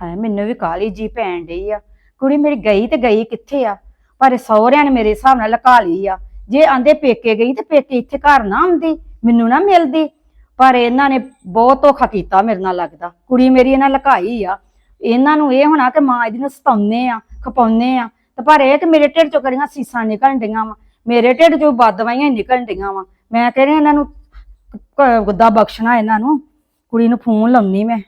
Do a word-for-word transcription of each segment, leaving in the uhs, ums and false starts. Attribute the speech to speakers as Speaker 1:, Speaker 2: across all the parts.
Speaker 1: ਹੈ ਮੈਨੂੰ ਵੀ ਕਾਲੀ ਜੀ ਪੈਣ ਡਈ ਆ। ਕੁੜੀ ਮੇਰੀ ਗਈ ਤੇ ਗਈ ਕਿੱਥੇ ਆ? ਪਰ ਸਹੁਰਿਆਂ ਨੇ ਮੇਰੇ ਹਿਸਾਬ ਨਾਲ ਲਕਾ ਲਈ ਆ। ਜੇ ਆਂਦੇ ਪੇਕੇ ਗਈ ਤੇ ਪੇਕੇ ਇੱਥੇ ਘਰ ਨਾ ਆਉਂਦੀ, ਮੈਨੂੰ ਨਾ ਮਿਲਦੀ। ਪਰ ਇਹਨਾਂ ਨੇ ਬਹੁਤ ਧੋਖਾ ਕੀਤਾ ਮੇਰੇ ਨਾਲ, ਲੱਗਦਾ ਕੁੜੀ ਮੇਰੀ ਇਹਨਾਂ ਲਕਾਈ ਆ। ਇਹਨਾਂ ਨੂੰ ਇਹ ਹੋਣਾ ਕਿ ਮਾਂ ਇਹਦੀ ਨੂੰ ਸਤਾਉਂਦੇ ਆ, ਖਪਾਉਂਦੇ ਆ, ਤੇ ਪਰ ਇਹ ਕਿ ਮੇਰੇ ਢਿੱਡ ਚੋਂ ਕੜੀਆਂ ਸੀਸਾਂ ਨਿਕਲਣ ਡੀਆਂ ਵਾ, ਮੇਰੇ ਢਿੱਡ ਚੋਂ ਬਦਵਾਈਆਂ ਨਿਕਲਣ ਡੀਆਂ ਵਾ। ਮੈਂ ਕਹਿ ਰਹੀ ਇਹਨਾਂ ਨੂੰ ਗੁੱਦਾ ਬਖਸ਼ਣਾ, ਇਹਨਾਂ ਨੂੰ। ਕੁੜੀ ਨੂੰ ਫੋਨ ਲਾਉਣੀ ਮੈਂ।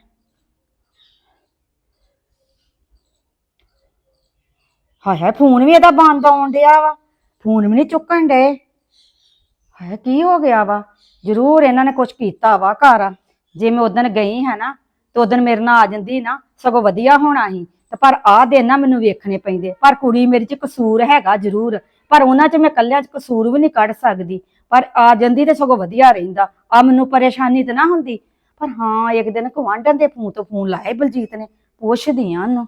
Speaker 1: ਹਾਏ ਹਾਏ ਫੋਨ ਵੀ ਇਹਦਾ ਬੰਦ ਆਉਣ ਡਿਆ ਵਾ, ਫੋਨ ਵੀ ਨਹੀਂ ਚੁੱਕਣ ਡੇ। ਹਾਏ ਕੀ ਹੋ ਗਿਆ ਵਾ? ਜ਼ਰੂਰ ਇਹਨਾਂ ਨੇ ਕੁਛ ਕੀਤਾ ਵਾ ਘਰ। ਜੇ ਮੈਂ ਉਦਣ ਗਈ ਹੈ ਨਾ ਤੇ ਉਦਣ ਮੇਰੇ ਨਾਲ ਆ ਜਾਂਦੀ ਨਾ, ਸਗੋਂ ਵਧੀਆ ਹੋਣਾ ਸੀ। ਤੇ ਪਰ ਆਹ ਦਿਨ ਨਾ ਮੈਨੂੰ ਵੇਖਣੇ ਪੈਂਦੇ। ਪਰ ਕੁੜੀ ਮੇਰੀ ਚ ਕਸੂਰ ਹੈਗਾ ਜ਼ਰੂਰ, ਪਰ ਉਹਨਾਂ ਚ ਮੈਂ ਕੱਲਿਆਂ ਚ ਕਸੂਰ ਵੀ ਨਹੀਂ ਕੱਢ ਸਕਦੀ। ਪਰ ਆ ਜਾਂਦੀ ਤੇ ਸਗੋਂ ਵਧੀਆ ਰਹਿੰਦਾ, ਆ ਮੈਨੂੰ ਪਰੇਸ਼ਾਨੀ ਤੇ ਨਾ ਹੁੰਦੀ। ਪਰ ਹਾਂ ਇੱਕ ਦਿਨ ਗੁਆਂਢਣ ਦੇ ਫੋਨ ਤੋਂ ਫੋਨ ਲਾਏ ਬਲਜੀਤ ਨੇ, ਪੁੱਛਦੀ ਆ ਉਹਨੂੰ।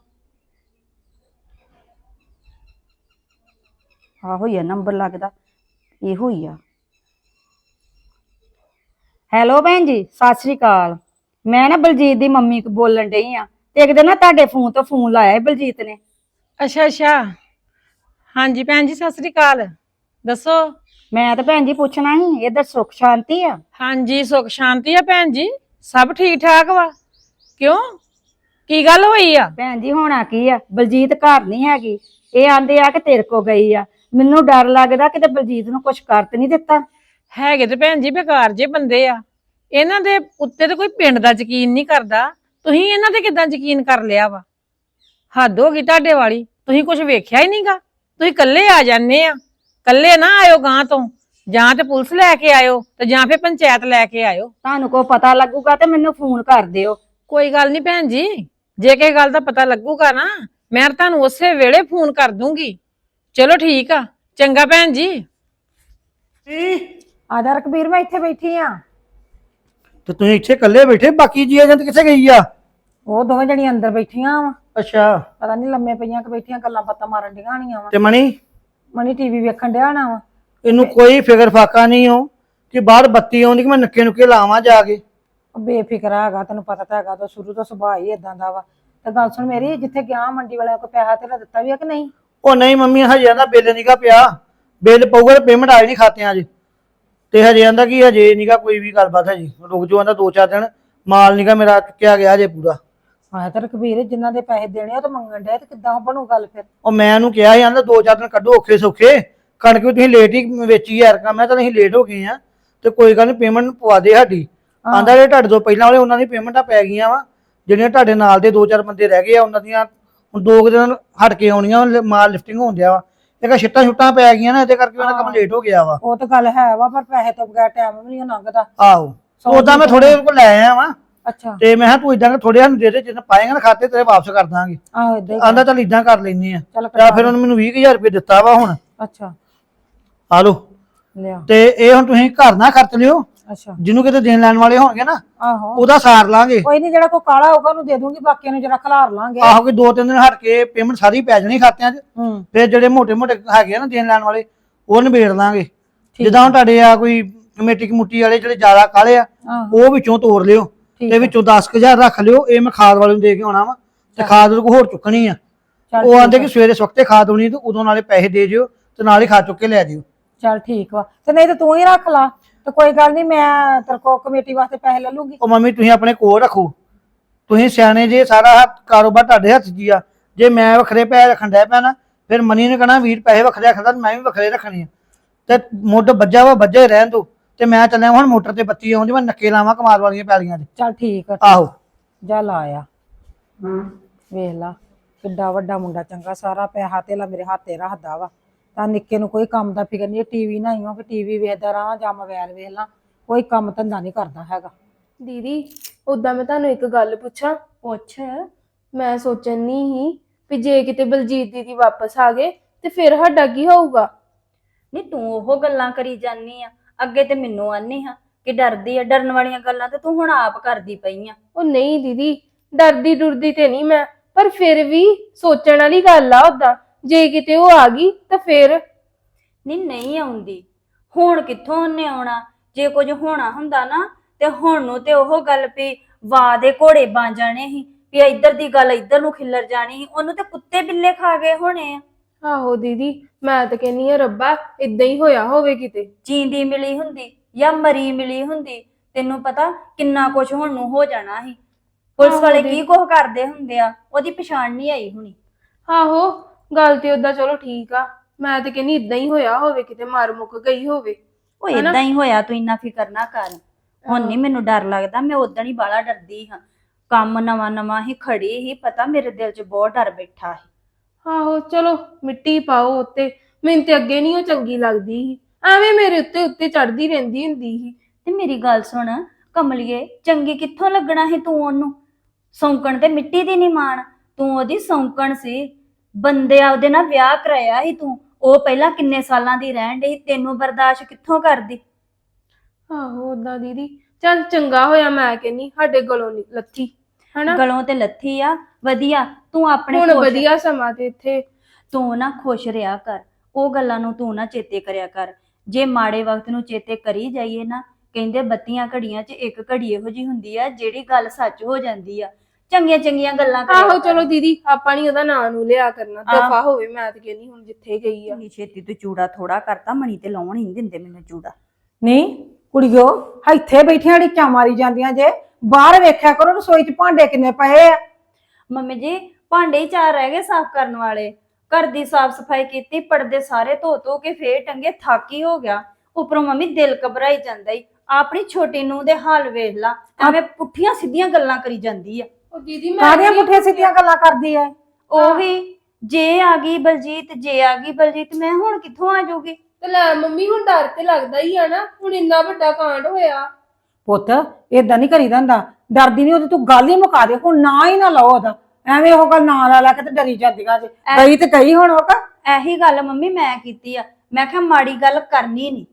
Speaker 1: ਆਹੋ ਹੀ ਆ ਨੰਬਰ, ਲੱਗਦਾ ਇਹੋ ਹੀ ਆ। ਹੈਲੋ ਭੈਣ ਜੀ, ਸਤਿ ਸ੍ਰੀ ਅਕਾਲ। ਮੈਂ ਨਾ ਬਲਜੀਤ ਦੀ ਮੰਮੀ ਕੋ ਬੋਲਣ ਡਈ ਆ, ਤੇ ਇੱਕ ਦਿਨ ਨਾ ਤੁਹਾਡੇ ਫੋਨ ਤੋਂ ਫੋਨ ਲਾਇਆ ਬਲਜੀਤ ਨੇ।
Speaker 2: ਅੱਛਾ ਅੱਛਾ, ਹਾਂਜੀ ਭੈਣ ਜੀ ਸਤਿ ਸ੍ਰੀ ਅਕਾਲ, ਦੱਸੋ।
Speaker 1: ਮੈਂ ਤਾਂ ਭੈਣ ਜੀ ਪੁੱਛਣਾ ਸੀ, ਇੱਧਰ ਸੁੱਖ ਸ਼ਾਂਤੀ ਆ?
Speaker 2: ਹਾਂਜੀ ਸੁੱਖ ਸ਼ਾਂਤੀ ਆ ਭੈਣ ਜੀ, ਸਭ ਠੀਕ ਠਾਕ ਵਾ। ਕਿਉਂ, ਕੀ ਗੱਲ ਹੋਈ ਆ?
Speaker 1: ਭੈਣ ਜੀ ਹੋਣਾ ਕੀ ਆ, ਬਲਜੀਤ ਘਰ ਨਹੀਂ ਹੈਗੀ। ਇਹ ਆਂਦੇ ਆ ਕਿ ਤੇਰੇ ਕੋ ਗਈ ਆ। ਮੈਨੂੰ ਡਰ ਲੱਗਦਾ ਕਿਤੇ ਬਲਜੀਤ ਨੂੰ ਕੁਛ ਕਰ ਤੇ ਨਹੀਂ ਦਿੱਤਾ।
Speaker 2: ਹੈਗੇ ਤੇ ਭੈਣ ਜੀ ਬੇਕਾਰ ਜੇ ਬੰਦੇ ਆ, ਇਹਨਾਂ ਦੇ ਉੱਤੇ ਤੇ ਕੋਈ ਪਿੰਡ ਦਾ ਯਕੀਨ ਨਹੀਂ ਕਰਦਾ। ਤੁਸੀਂ ਇਹਨਾਂ ਤੇ ਕਿੱਦਾਂ ਯਕੀਨ ਕਰ ਲਿਆ ਵਾ? ਹੱਦ ਹੋ ਗਈ ਤੁਹਾਡੇ ਵਾਲੀ, ਤੁਸੀਂ ਕੁਝ ਵੇਖਿਆ ਹੀ ਨਹੀਂਗਾ। ਤੁਸੀਂ ਇਕੱਲੇ ਆ ਜਾਂਦੇ ਆ, ਇਕੱਲੇ ਨਾ ਆਇਓ ਗਾਂ ਤੋਂ, ਜਾਂ ਤੇ ਪੁਲਿਸ ਲੈ ਕੇ ਆਇਓ ਤੇ ਜਾਂ ਫਿਰ ਪੰਚਾਇਤ ਲੈ ਕੇ ਆਇਓ।
Speaker 1: ਤੁਹਾਨੂੰ ਕੋ ਪਤਾ ਲੱਗੂਗਾ ਤੇ ਮੈਨੂੰ ਫੋਨ ਕਰ ਦਿਓ।
Speaker 2: ਕੋਈ ਗੱਲ ਨਹੀਂ ਭੈਣ ਜੀ, ਜੇ ਕਿਸੇ ਗੱਲ ਦਾ ਪਤਾ ਲੱਗੂਗਾ ਨਾ, ਮੈਂ ਤੁਹਾਨੂੰ ਉਸੇ ਵੇਲੇ ਫੋਨ ਕਰ ਦੂੰਗੀ। ਚਲੋ ਠੀਕ ਆ, ਚੰਗਾ ਭੈਣ ਜੀ।
Speaker 1: ਆ ਜਾ ਰਕਬੀਰ, ਮੈਂ ਇੱਥੇ ਬੈਠੀ ਆ।
Speaker 3: ਤੇ ਤੁਸੀਂ ਇੱਥੇ ਇਕੱਲੇ ਬੈਠੇ, ਬਾਕੀ ਜੀ ਏਜੰਟ ਕਿੱਥੇ ਗਈ ਆ?
Speaker 1: ਉਹ ਦੋਵੇਂ ਜਣੀਆਂ ਅੰਦਰ ਬੈਠੀਆਂ ਵਾ,
Speaker 3: ਅੱਛਾ,
Speaker 1: ਪਤਾ ਨਹੀਂ ਲੰਮੇ ਪਈਆਂ ਕਿ ਬੈਠੀਆਂ ਗੱਲਾਂ ਬਾਤਾਂ ਮਾਰਨ ਡੀਆਂ ਹੋਣੀਆਂ ਵਾ।
Speaker 3: ਤੇ ਮਣੀ?
Speaker 1: ਮਣੀ ਟੀਵੀ ਵੇਖਣ ਡਿਆ ਨਾ ਵਾ।
Speaker 3: ਇਹਨੂੰ ਕੋਈ ਫਿਕਰ ਫਾਕਾ ਨਹੀਂ ਹੋ ਕਿ ਬਾਹਰ ਬੱਤੀ ਆਉਂਦੀ ਕਿ ਮੈਂ ਨੱਕੇ ਨੁੱਕੇ ਲਾਵਾਂ ਜਾ ਕੇ?
Speaker 1: ਉਹ ਬੇਫਿਕਰਾ ਹੈਗਾ, ਤੈਨੂੰ ਪਤਾ ਤਾਂ ਹੈਗਾ, ਤਾਂ ਸ਼ੁਰੂ ਤੋਂ ਸੁਭਾਅ ਹੀ ਇਦਾਂ ਦਾ ਵਾ। ਤੇ ਗੱਲ ਸੁਣ ਮੇਰੀ, ਜਿੱਥੇ ਗਿਆ ਮੰਡੀ ਵਾਲਿਆਂ ਕੋ ਪੈਸਾ ਤੇਰਾ ਦਿੱਤਾ ਵੀ ਆ ਕਿ ਨਹੀਂ?
Speaker 3: ਉਹ ਨਹੀਂ ਮੰਮੀ, ਹਜੇ ਆਂਦਾ ਬਿੱਲ ਨੀਗਾ ਪਿਆ, ਬਿੱਲ ਪਊਗਾ ਤੇ ਪੇਮੈਂਟ ਆਈ ਨਹੀਂ ਖਾਤਿਆਂ 'ਚ। ਤੇ ਹਜੇ ਆਂਦਾ ਕਿ ਹਜੇ ਨੀਗਾ ਕੋਈ ਵੀ ਗੱਲਬਾਤ, ਹਜੇ ਰੁਕ ਜਾਓ, ਆਂਦਾ ਦੋ ਚਾਰ ਦਿਨ, ਮਾਲ ਨੀਗਾ ਮੇਰਾ ਚੁੱਕਿਆ ਗਿਆ ਹਜੇ ਪੂਰਾ।
Speaker 1: ਹਾਂ ਤੇ ਰਕਬੀਰ, ਜਿਨ੍ਹਾਂ ਦੇ ਪੈਸੇ ਦੇਣੇ ਉਹ ਤਾਂ ਮੰਗਣ ਡਿਆ, ਤੇ ਕਿੱਦਾਂ ਬਣੂ ਗੱਲ ਫਿਰ?
Speaker 3: ਉਹ ਮੈਂ ਉਹਨੂੰ ਕਿਹਾ ਸੀ, ਆਂਦਾ ਦੋ ਚਾਰ ਦਿਨ ਕੱਢੋ ਔਖੇ ਸੌਖੇ, ਕਣਕ ਵੀ ਤੁਸੀਂ ਲੇਟ ਹੀ ਵੇਚੀ ਯਾਰ। ਕੰਮ ਮੈਂ ਤਾਂ ਅਸੀਂ ਲੇਟ ਹੋ ਗਏ ਆ, ਤੇ ਕੋਈ ਗੱਲ ਨਹੀਂ, ਪੇਮੈਂਟ ਪਵਾ ਦੇ ਸਾਡੀ। ਆਂਦਾ ਜਿਹੜੇ ਤੁਹਾਡੇ ਤੋਂ ਪਹਿਲਾਂ ਵਾਲੇ ਉਹਨਾਂ ਦੀ ਪੇਮੈਂਟਾਂ ਪੈ ਗਈਆਂ ਵਾ, ਜਿਹੜੀਆਂ ਤੁਹਾਡੇ ਨਾਲ ਦੇ ਦੋ ਚਾਰ ਬੰਦੇ ਰਹਿ ਗਏ ਆ ਉਹਨਾਂ ਦੀਆਂ ਹੁਣ ਦੋ ਕੁ ਦਿਨ ਹਟ ਕੇ ਆਉਣੀਆਂ, ਮਾਲ ਲਿਫਟਿੰਗ ਹੋਣ ਡਿਆ ਵਾ। ਇੱਕ ਛਿੱਟਾਂ ਛੁੱਟਾਂ ਪੈ ਗਈਆਂ ਨਾ, ਇਹਦੇ ਕਰਕੇ ਉਹਨਾਂ ਕੰਮ ਲੇਟ ਹੋ ਗਿਆ ਵਾ।
Speaker 1: ਉਹ ਤਾਂ ਗੱਲ ਹੈ ਵਾ, ਪਰ ਪੈਸੇ ਤੋਂ ਬਗੈਰ ਟਾਈਮ ਵੀ ਨਹੀਂ ਲੰਘਦਾ।
Speaker 3: ਆਹੋ, ਉਦਾਂ ਮੈਂ ਥੋੜੇ ਕੋਲ ਲੈ ਆਇਆ ਵਾ।
Speaker 1: ਅੱਛਾ,
Speaker 3: ਤੇ ਮੈਂ ਕਿਹਾ ਤੂੰ ਇਦਾਂ ਥੋੜੇ ਸਾਨੂੰ ਦੇ ਦੇ, ਜਿੰਨਾ ਪਾਏਗਾ ਨਾ ਖਾਤੇ ਤੇਰੇ ਵਾਪਸ ਕਰ ਦਾਂਗੇ।
Speaker 1: ਆਹੋ ਇਦਾਂ ਹੀ
Speaker 3: ਆਂਦਾ ਚੱਲ ਇਦਾਂ ਕਰ ਲੈਨੇ ਆ।
Speaker 1: ਚੱਲ
Speaker 3: ਜਾਂ ਫਿਰ ਉਹਨੇ ਮੈਨੂੰ ਵੀਹ ਕੁ ਹਜ਼ਾਰ ਰੁਪਏ ਦਿੱਤਾ ਵਾ ਹੁਣ।
Speaker 1: ਅੱਛਾ
Speaker 3: ਆ ਲੋ,
Speaker 1: ਲਿਆ।
Speaker 3: ਤੇ ਇਹ ਹੁਣ ਤੁਸੀਂ ਘਰ ਨਾ ਖਰਚ ਲਿਓ,
Speaker 1: ਅੱਛਾ,
Speaker 3: ਜਿਹਨੂੰ ਕਿਤੇ ਦੇਣ ਲੈਣ ਵਾਲੇ ਹੋਣਗੇ ਨਾ
Speaker 1: ਆਹੋ
Speaker 3: ਉਹਦਾ ਸਾਰ ਲਾਂਗੇ।
Speaker 1: ਕੋਈ ਨਹੀਂ, ਜਿਹੜਾ ਕੋ ਕਾਲਾ ਹੋਊਗਾ ਉਹਨੂੰ ਦੇ ਦੂੰਗੀ, ਬਾਕੀਆਂ ਨੂੰ ਜਰਾ ਖਲਾਰ ਲਾਂਗੇ।
Speaker 3: ਆਹੋ ਕਿ ਦੋ ਤਿੰਨ ਦਿਨ ਹਟ ਕੇ ਪੇਮੈਂਟ ਸਾਰੀ ਪੈ ਜਾਣੀ ਖਾਤਿਆਂ 'ਚ।
Speaker 1: ਹੂੰ,
Speaker 3: ਫਿਰ ਜਿਹੜੇ ਮੋਟੇ ਮੋਟੇ ਹੈਗੇ ਆ ਨਾ ਦੇਣ ਲੈਣ ਵਾਲੇ, ਉਹ ਨਿਬੇੜ ਲਾਂਗੇ। ਜਿੱਦਾਂ ਹੁਣ ਤੁਹਾਡੇ ਆ ਕੋਈ ਕਮੇਟੀ ਕਮੂਟੀ ਵਾਲੇ ਜਿਹੜੇ ਜ਼ਿਆਦਾ ਕਾਲੇ ਆ, ਉਹ ਵਿੱਚੋਂ ਤੋੜ ਲਿਓ, ਤੇ ਵਿੱਚੋਂ ਦਸ ਕੁ ਹਜ਼ਾਰ ਰੱਖ ਲਿਓ। ਇਹ ਮੈਂ ਖਾਦ ਵਾਲੇ ਨੂੰ ਦੇ ਕੇ ਆਉਣਾ ਵਾ, ਤੇ ਖਾਦ ਉਹਦੇ ਕੋਲ ਹੋਰ ਚੁੱਕਣੀ ਆ। ਉਹ ਆਂਦੇ ਕਿ ਸਵੇਰੇ ਸਵਖਤੇ ਖਾਦ ਹੋਣੀ, ਤੇ ਉਦੋਂ ਨਾਲੇ ਪੈਸੇ ਦੇ ਜਿਓ ਤੇ ਨਾਲ ਹੀ ਖਾਦ ਚੁੱਕ ਕੇ ਲੈ ਜਿਓ।
Speaker 1: ਚੱਲ ਠੀਕ ਵਾ, ਤੇ ਨਹੀਂ ਤੇ ਤੂੰ ਹੀ ਰੱਖ ਲਾ, ਤੇ ਕੋਈ ਗੱਲ ਨਹੀਂ, ਮੈਂ ਤੇਰੇ ਕੋ ਕਮੇਟੀ ਵਾਸਤੇ ਪੈਸੇ ਲੈ ਲੂੰਗੀ।
Speaker 3: ਉਹ ਮੰਮੀ ਤੁਸੀਂ ਆਪਣੇ ਕੋਲ ਰੱਖੋ, ਤੁਸੀਂ ਸਿਆਣੇ ਜੇ, ਸਾਰਾ ਹੱਥ ਕਾਰੋਬਾਰ ਤੁਹਾਡੇ ਹੱਥ 'ਚ ਆ। ਜੇ ਮੈਂ ਵੱਖਰੇ ਪੈਸੇ ਰੱਖਣ ਡਿਆ ਪਿਆ ਨਾ, ਫਿਰ ਮਨੀ ਨੇ ਕਹਿਣਾ ਵੀਰ ਪੈਸੇ ਵੱਖਰੇ ਰੱਖਦਾ, ਮੈਂ ਵੀ ਵੱਖਰੇ ਰੱਖਣੇ ਆ। ਤੇ ਮੁੱਢ ਵੱਜਾ ਵਾ ਵੱਜਾ ਹੀ ਰਹਿਣ ਦੋ। ਤੇ ਮੈਂ ਚੱਲਿਆ ਹੁਣ ਮੋਟਰ ਤੇ ਬੱਤੀ ਆਉਂਦੀ, ਮੈਂ ਨੱਕੇ ਲਾਵਾਂ ਕਮਾਲ ਵਾਲੀਆਂ ਪੈਲੀਆਂ 'ਚ।
Speaker 1: ਚੱਲ ਠੀਕ ਆ,
Speaker 3: ਆਹੋ
Speaker 1: ਜਾ ਲਾ ਆ। ਵੇਖ ਲਾ ਕਿੱਡਾ ਵੱਡਾ ਮੁੰਡਾ, ਚੰਗਾ ਸਾਰਾ ਪੈਸਾ ਧੇਲਾ ਮੇਰੇ ਹੱਥੇ ਰੱਖਦਾ ਵਾ। ਤਾਂ ਨਿੱਕੇ ਨੂੰ ਕੋਈ ਕੰਮ ਦਾ ਫਿਕਰ ਨਹੀਂ। ਟੀਵੀ ਨਾ ਆਈਓ ਕਿ ਟੀਵੀ ਵੇਖਦਾ ਰਹਾਂ ਜਾਂ ਮੋਬਾਈਲ ਵੇਖ ਲਾਂ, ਕੋਈ ਕੰਮ ਧੰਦਾ ਨਹੀਂ ਕਰਦਾ ਹੈਗਾ।
Speaker 4: ਦੀਦੀ ਉਦਾਂ ਮੈਂ ਤੁਹਾਨੂੰ ਇੱਕ ਗੱਲ ਪੁੱਛਾਂ?
Speaker 1: ਪੁੱਛ।
Speaker 4: ਮੈਂ ਸੋਚਣ ਨਹੀਂ ਸੀ ਵੀ ਜੇ ਕਿਤੇ ਬਲਜੀਤ ਦੀਦੀ ਵਾਪਸ ਆ ਗਏ ਤੇ ਫਿਰ ਸਾਡਾ ਕੀ ਹੋਊਗਾ?
Speaker 1: ਨਹੀਂ ਤੂੰ ਉਹ ਗੱਲਾਂ ਕਰੀ ਜਾਨੀ ਆ, ਅੱਗੇ ਤੇ ਮੈਨੂੰ ਆਨੀ ਹਾਂ ਕਿ ਡਰਦੀ ਆ। ਡਰਨ ਵਾਲੀਆਂ ਗੱਲਾਂ ਤੇ ਤੂੰ ਹੁਣ ਆਪ ਕਰਦੀ ਪਈ ਆ।
Speaker 4: ਉਹ ਨਹੀਂ ਦੀਦੀ, ਡਰਦੀ ਡੁਰਦੀ ਤੇ ਨਹੀਂ ਮੈਂ, ਪਰ ਫਿਰ ਵੀ ਸੋਚਣ ਵਾਲੀ ਗੱਲ ਆ। ਉਦਾਂ ਜੇ ਕਿਤੇ ਉਹ ਆ ਗਈ ਤਾਂ ਫਿਰ?
Speaker 1: ਨਹੀਂ ਨਹੀਂ ਆਉਂਦੀ, ਹੁਣ ਕਿੱਥੋਂ ਉਹਨੇ ਆਉਣਾ? ਜੇ ਕੁਝ ਹੋਣਾ ਹੁੰਦਾ ਨਾ ਤੇ ਹੁਣ ਨੂੰ ਤੇ ਉਹ ਗੱਲ ਵੀ ਵਾਹ ਦੇ ਘੋੜੇ ਬਣ ਜਾਣੇ ਸੀ
Speaker 5: ਵੀ ਇੱਧਰ ਦੀ ਗੱਲ ਇੱਧਰ ਨੂੰ ਖਿੱਲਰ ਜਾਣੀ ਸੀ। ਉਹਨੂੰ ਤੇ ਕੁੱਤੇ ਬਿੱਲੇ ਖਾ ਗਏ ਹੋਣੇ ਆ।
Speaker 4: ਆਹੋ ਦੀਦੀ, ਮੈਂ ਤਾਂ ਕਹਿੰਨੀ ਆ ਰੱਬਾ ਇਦਾਂ ਹੀ ਹੋਇਆ ਹੋਵੇ ਕਿਤੇ।
Speaker 5: ਜੀਂਦੀ ਮਿਲੀ ਹੁੰਦੀ ਜਾਂ ਮਰੀ ਮਿਲੀ ਹੁੰਦੀ, ਤੈਨੂੰ ਪਤਾ ਕਿੰਨਾ ਕੁਝ ਹੁਣ ਨੂੰ ਹੋ ਜਾਣਾ ਸੀ। ਪੁਲਿਸ
Speaker 4: ਆਹੋ
Speaker 5: ਵਾਲੇ
Speaker 4: ਦੀ-
Speaker 5: ਕੀ ਕੁਝ ਕਰਦੇ ਹੁੰਦੇ ਆ, ਉਹਦੀ ਪਛਾਣ ਨਹੀਂ ਆਈ ਹੁਣੀ।
Speaker 4: ਆਹੋ ਗੱਲ ਤੇ ਓਦਾਂ ਚਲੋ ਠੀਕ ਆ, ਮੈਂ ਤਾਂ ਕਹਿੰਨੀ ਇਦਾਂ ਹੀ ਹੋਇਆ ਹੋਵੇ ਕਿਤੇ, ਮਾਰ ਮੁੱਕ ਗਈ ਹੋਵੇ।
Speaker 5: ਉਹ ਇਦਾਂ ਹੀ ਹੋਇਆ, ਤੂੰ ਇੰਨਾ ਫਿਕਰ ਨਾ ਕਰ। ਹੁਣ ਨਹੀਂ ਮੈਨੂੰ ਡਰ ਲੱਗਦਾ, ਮੈਂ ਉਦੋਂ ਹੀ ਬਾਹਲਾ ਡਰਦੀ ਹਾਂ। ਕੰਮ ਨਵਾਂ ਨਵਾਂ ਹੀ ਖੜੀ ਹੀ, ਪਤਾ ਮੇਰੇ ਦਿਲ 'ਚ ਬਹੁਤ ਡਰ ਬੈਠਾ ਸੀ।
Speaker 4: ਆਹੋ ਚਲੋ ਮਿੱਟੀ ਪਾਓ ਉੱਤੇ, ਮੈਨੂੰ ਤੇ ਅੱਗੇ ਨਹੀਂ ਉਹ ਚੰਗੀ ਲੱਗਦੀ ਸੀ, ਐਵੇਂ ਮੇਰੇ ਉੱਤੇ ਉੱਤੇ ਚੜਦੀ ਰਹਿੰਦੀ ਹੁੰਦੀ ਸੀ।
Speaker 5: ਤੇ ਮੇਰੀ ਗੱਲ ਸੁਣ ਕਮਲੀਏ, ਚੰਗੀ ਕਿੱਥੋਂ ਲੱਗਣਾ ਸੀ ਤੂੰ ਉਹਨੂੰ? ਸੌਂਕਣ ਤੇ ਮਿੱਟੀ ਦੀ ਨਹੀਂ ਮਾਣ, ਤੂੰ ਉਹਦੀ ਸੌਂਕਣ ਸੀ। ਬੰਦੇ ਆ ਉਹਦੇ ਨਾਲ ਵਿਆਹ ਕਰਾਇਆ ਸੀ ਤੂੰ, ਉਹ ਪਹਿਲਾਂ ਕਿੰਨੇ ਸਾਲਾਂ ਦੀ ਰਹਿਣ ਡਈ, ਤੈਨੂੰ ਬਰਦਾਸ਼ਤ ਕਿੱਥੋਂ ਕਰਦੀ?
Speaker 4: ਆਹੋ ਓਦਾਂ ਦੀਦੀ ਚੱਲ ਚੰਗਾ ਹੋਇਆ, ਮੈਂ ਕਹਿੰਨੀ ਸਾਡੇ ਗਲੋਂ ਨੀ ਲੱਥੀ ਹਨਾ।
Speaker 5: ਗਲੋਂ ਤੇ ਲੱਥੀ ਆ, ਵਧੀਆ। ਤੂੰ ਆਪਣੇ
Speaker 4: ਹੁਣ
Speaker 5: ਖੁਸ਼-
Speaker 4: ਵਧੀਆ ਸਮਾਂ ਤੇ ਇੱਥੇ
Speaker 5: ਤੂੰ ਨਾ ਖੁਸ਼ ਰਿਹਾ ਕਰ, ਉਹ ਗੱਲਾਂ ਨੂੰ ਤੂੰ ਨਾ ਚੇਤੇ ਕਰਿਆ ਕਰ। ਜੇ ਮਾੜੇ ਵਕਤ ਨੂੰ ਚੇਤੇ ਕਰੀ ਜਾਈਏ ਨਾ, ਕਹਿੰਦੇ ਬੱਤੀਆਂ ਘੜੀਆਂ 'ਚ ਇੱਕ ਘੜੀ ਇਹੋ ਜੀ ਹੁੰਦੀ ਆ ਜਿਹੜੀ ਗੱਲ ਸੱਚ ਹੋ ਜਾਂਦੀ ਆ। ਚੰਗੀਆਂ ਚੰਗੀਆਂ ਗੱਲਾਂ ਕਰਿਆ
Speaker 4: ਆਹੋ
Speaker 5: ਕਰ।
Speaker 4: ਚਲੋ ਦੀਦੀ ਆਪਾਂ ਨੀ ਉਹਦਾ ਨਾਂ ਨੂੰ ਲਿਆ ਕਰਨਾ,
Speaker 5: ਆਹ।
Speaker 4: ਦਫਾ ਹੋਵੇ। ਮੈਂ ਤੇ ਕਹਿੰਨੀ ਹੁਣ ਜਿੱਥੇ ਗਈ ਆ।
Speaker 5: ਇੰਨੀ ਛੇਤੀ ਤੂੰ ਚੂੜਾ ਥੋੜਾ ਕਰਤਾ, ਮਣੀ ਤੇ ਲਾਉਣ ਹੀ ਨੀ ਦਿੰਦੇ ਮੈਨੂੰ ਚੂੜਾ।
Speaker 1: ਨਹੀਂ ਕੁੜੀਓ, ਇੱਥੇ ਬੈਠੀਆਂ ਢਿੱਚਾਂ ਮਾਰੀ ਜਾਂਦੀਆਂ ਜੇ, ਬਾਹਰ ਵੇਖਿਆ ਕਰੋ ਰਸੋਈ 'ਚ ਭਾਂਡੇ ਕਿੰਨੇ ਪਏ ਆ।
Speaker 5: ਮੰਮੀ ਜੀ ਭਾਂਡੇ ਹੀ ਚਾਰ ਰਹਿ ਗਏ ਸਾਫ਼ ਕਰਨ ਵਾਲੇ। ਘਰ ਦੀ ਸਾਫ਼ ਸਫਾਈ ਕੀਤੀ, ਪਰਦੇ ਸਾਰੇ ਧੋ ਧੋ ਕੇ ਫੇਰ ਟੰਗੇ, ਥੱਕ ਹੀ ਹੋ ਗਿਆ। ਉੱਪਰੋਂ ਮੰਮੀ ਦਿਲ ਘਬਰਾਈ ਜਾਂਦਾ ਈ। ਆਪਣੀ ਛੋਟੀ ਨੂੰਹ ਦੇ ਹਾਲ ਵੇਖ ਲਾ, ਐਵੇਂ ਪੁੱਠੀਆਂ ਸਿੱਧੀਆਂ ਗੱਲਾਂ ਕਰੀ ਜਾਂਦੀ ਆ।
Speaker 4: ਉਹ ਦੀਦੀ ਮੈਂ
Speaker 1: ਕਾਹਦੀਆਂ
Speaker 4: ਵੀ-
Speaker 1: ਪੁੱਠੀਆਂ ਸਿੱਧੀਆਂ ਗੱਲਾਂ ਕਰਦੀ ਐ?
Speaker 5: ਉਹ ਵੀ ਜੇ ਆ ਗਈ ਬਲਜੀਤ, ਜੇ ਆ ਗਈ ਬਲਜੀਤ, ਮੈਂ ਹੁਣ ਕਿੱਥੋਂ ਆ ਜਾਊਗੀ?
Speaker 4: ਤੇ ਲੈ ਮੰਮੀ ਹੁਣ ਡਰ ਤੇ ਲੱਗਦਾ ਹੀ ਆ ਨਾ, ਹੁਣ ਇੰਨਾ ਵੱਡਾ ਕਾਂਡ ਹੋਇਆ।
Speaker 1: ਪੁੱਤ ਏਦਾਂ ਨਹੀਂ ਕਰੀਦਾ ਹੁੰਦਾ, ਡਰਦੀ ਨਹੀਂ ਉਹਦੀ, ਤੂੰ ਗੱਲ ਹੀ ਮੁਕਾ ਦੇ ਹੁਣ, ਨਾ ਹੀ ਨਾ ਲਓ ਉਹਦਾ, ਐਵੇਂ ਉਹ ਗੱਲ ਨਾ ਲਾ ਲਾ ਕੇ ਤੇ ਡਰੀ ਜਾਂਦੀਆਂ ਜੇ। ਗਈ ਤੇ ਗਈ ਹੁਣ ਉਹ ਤਾਂ।
Speaker 5: ਇਹੀ ਗੱਲ ਮੰਮੀ ਮੈਂ ਕੀਤੀ ਆ, ਮੈਂ ਕਿਹਾ ਮਾੜੀ ਗੱਲ ਕਰਨੀ ਨਹੀਂ।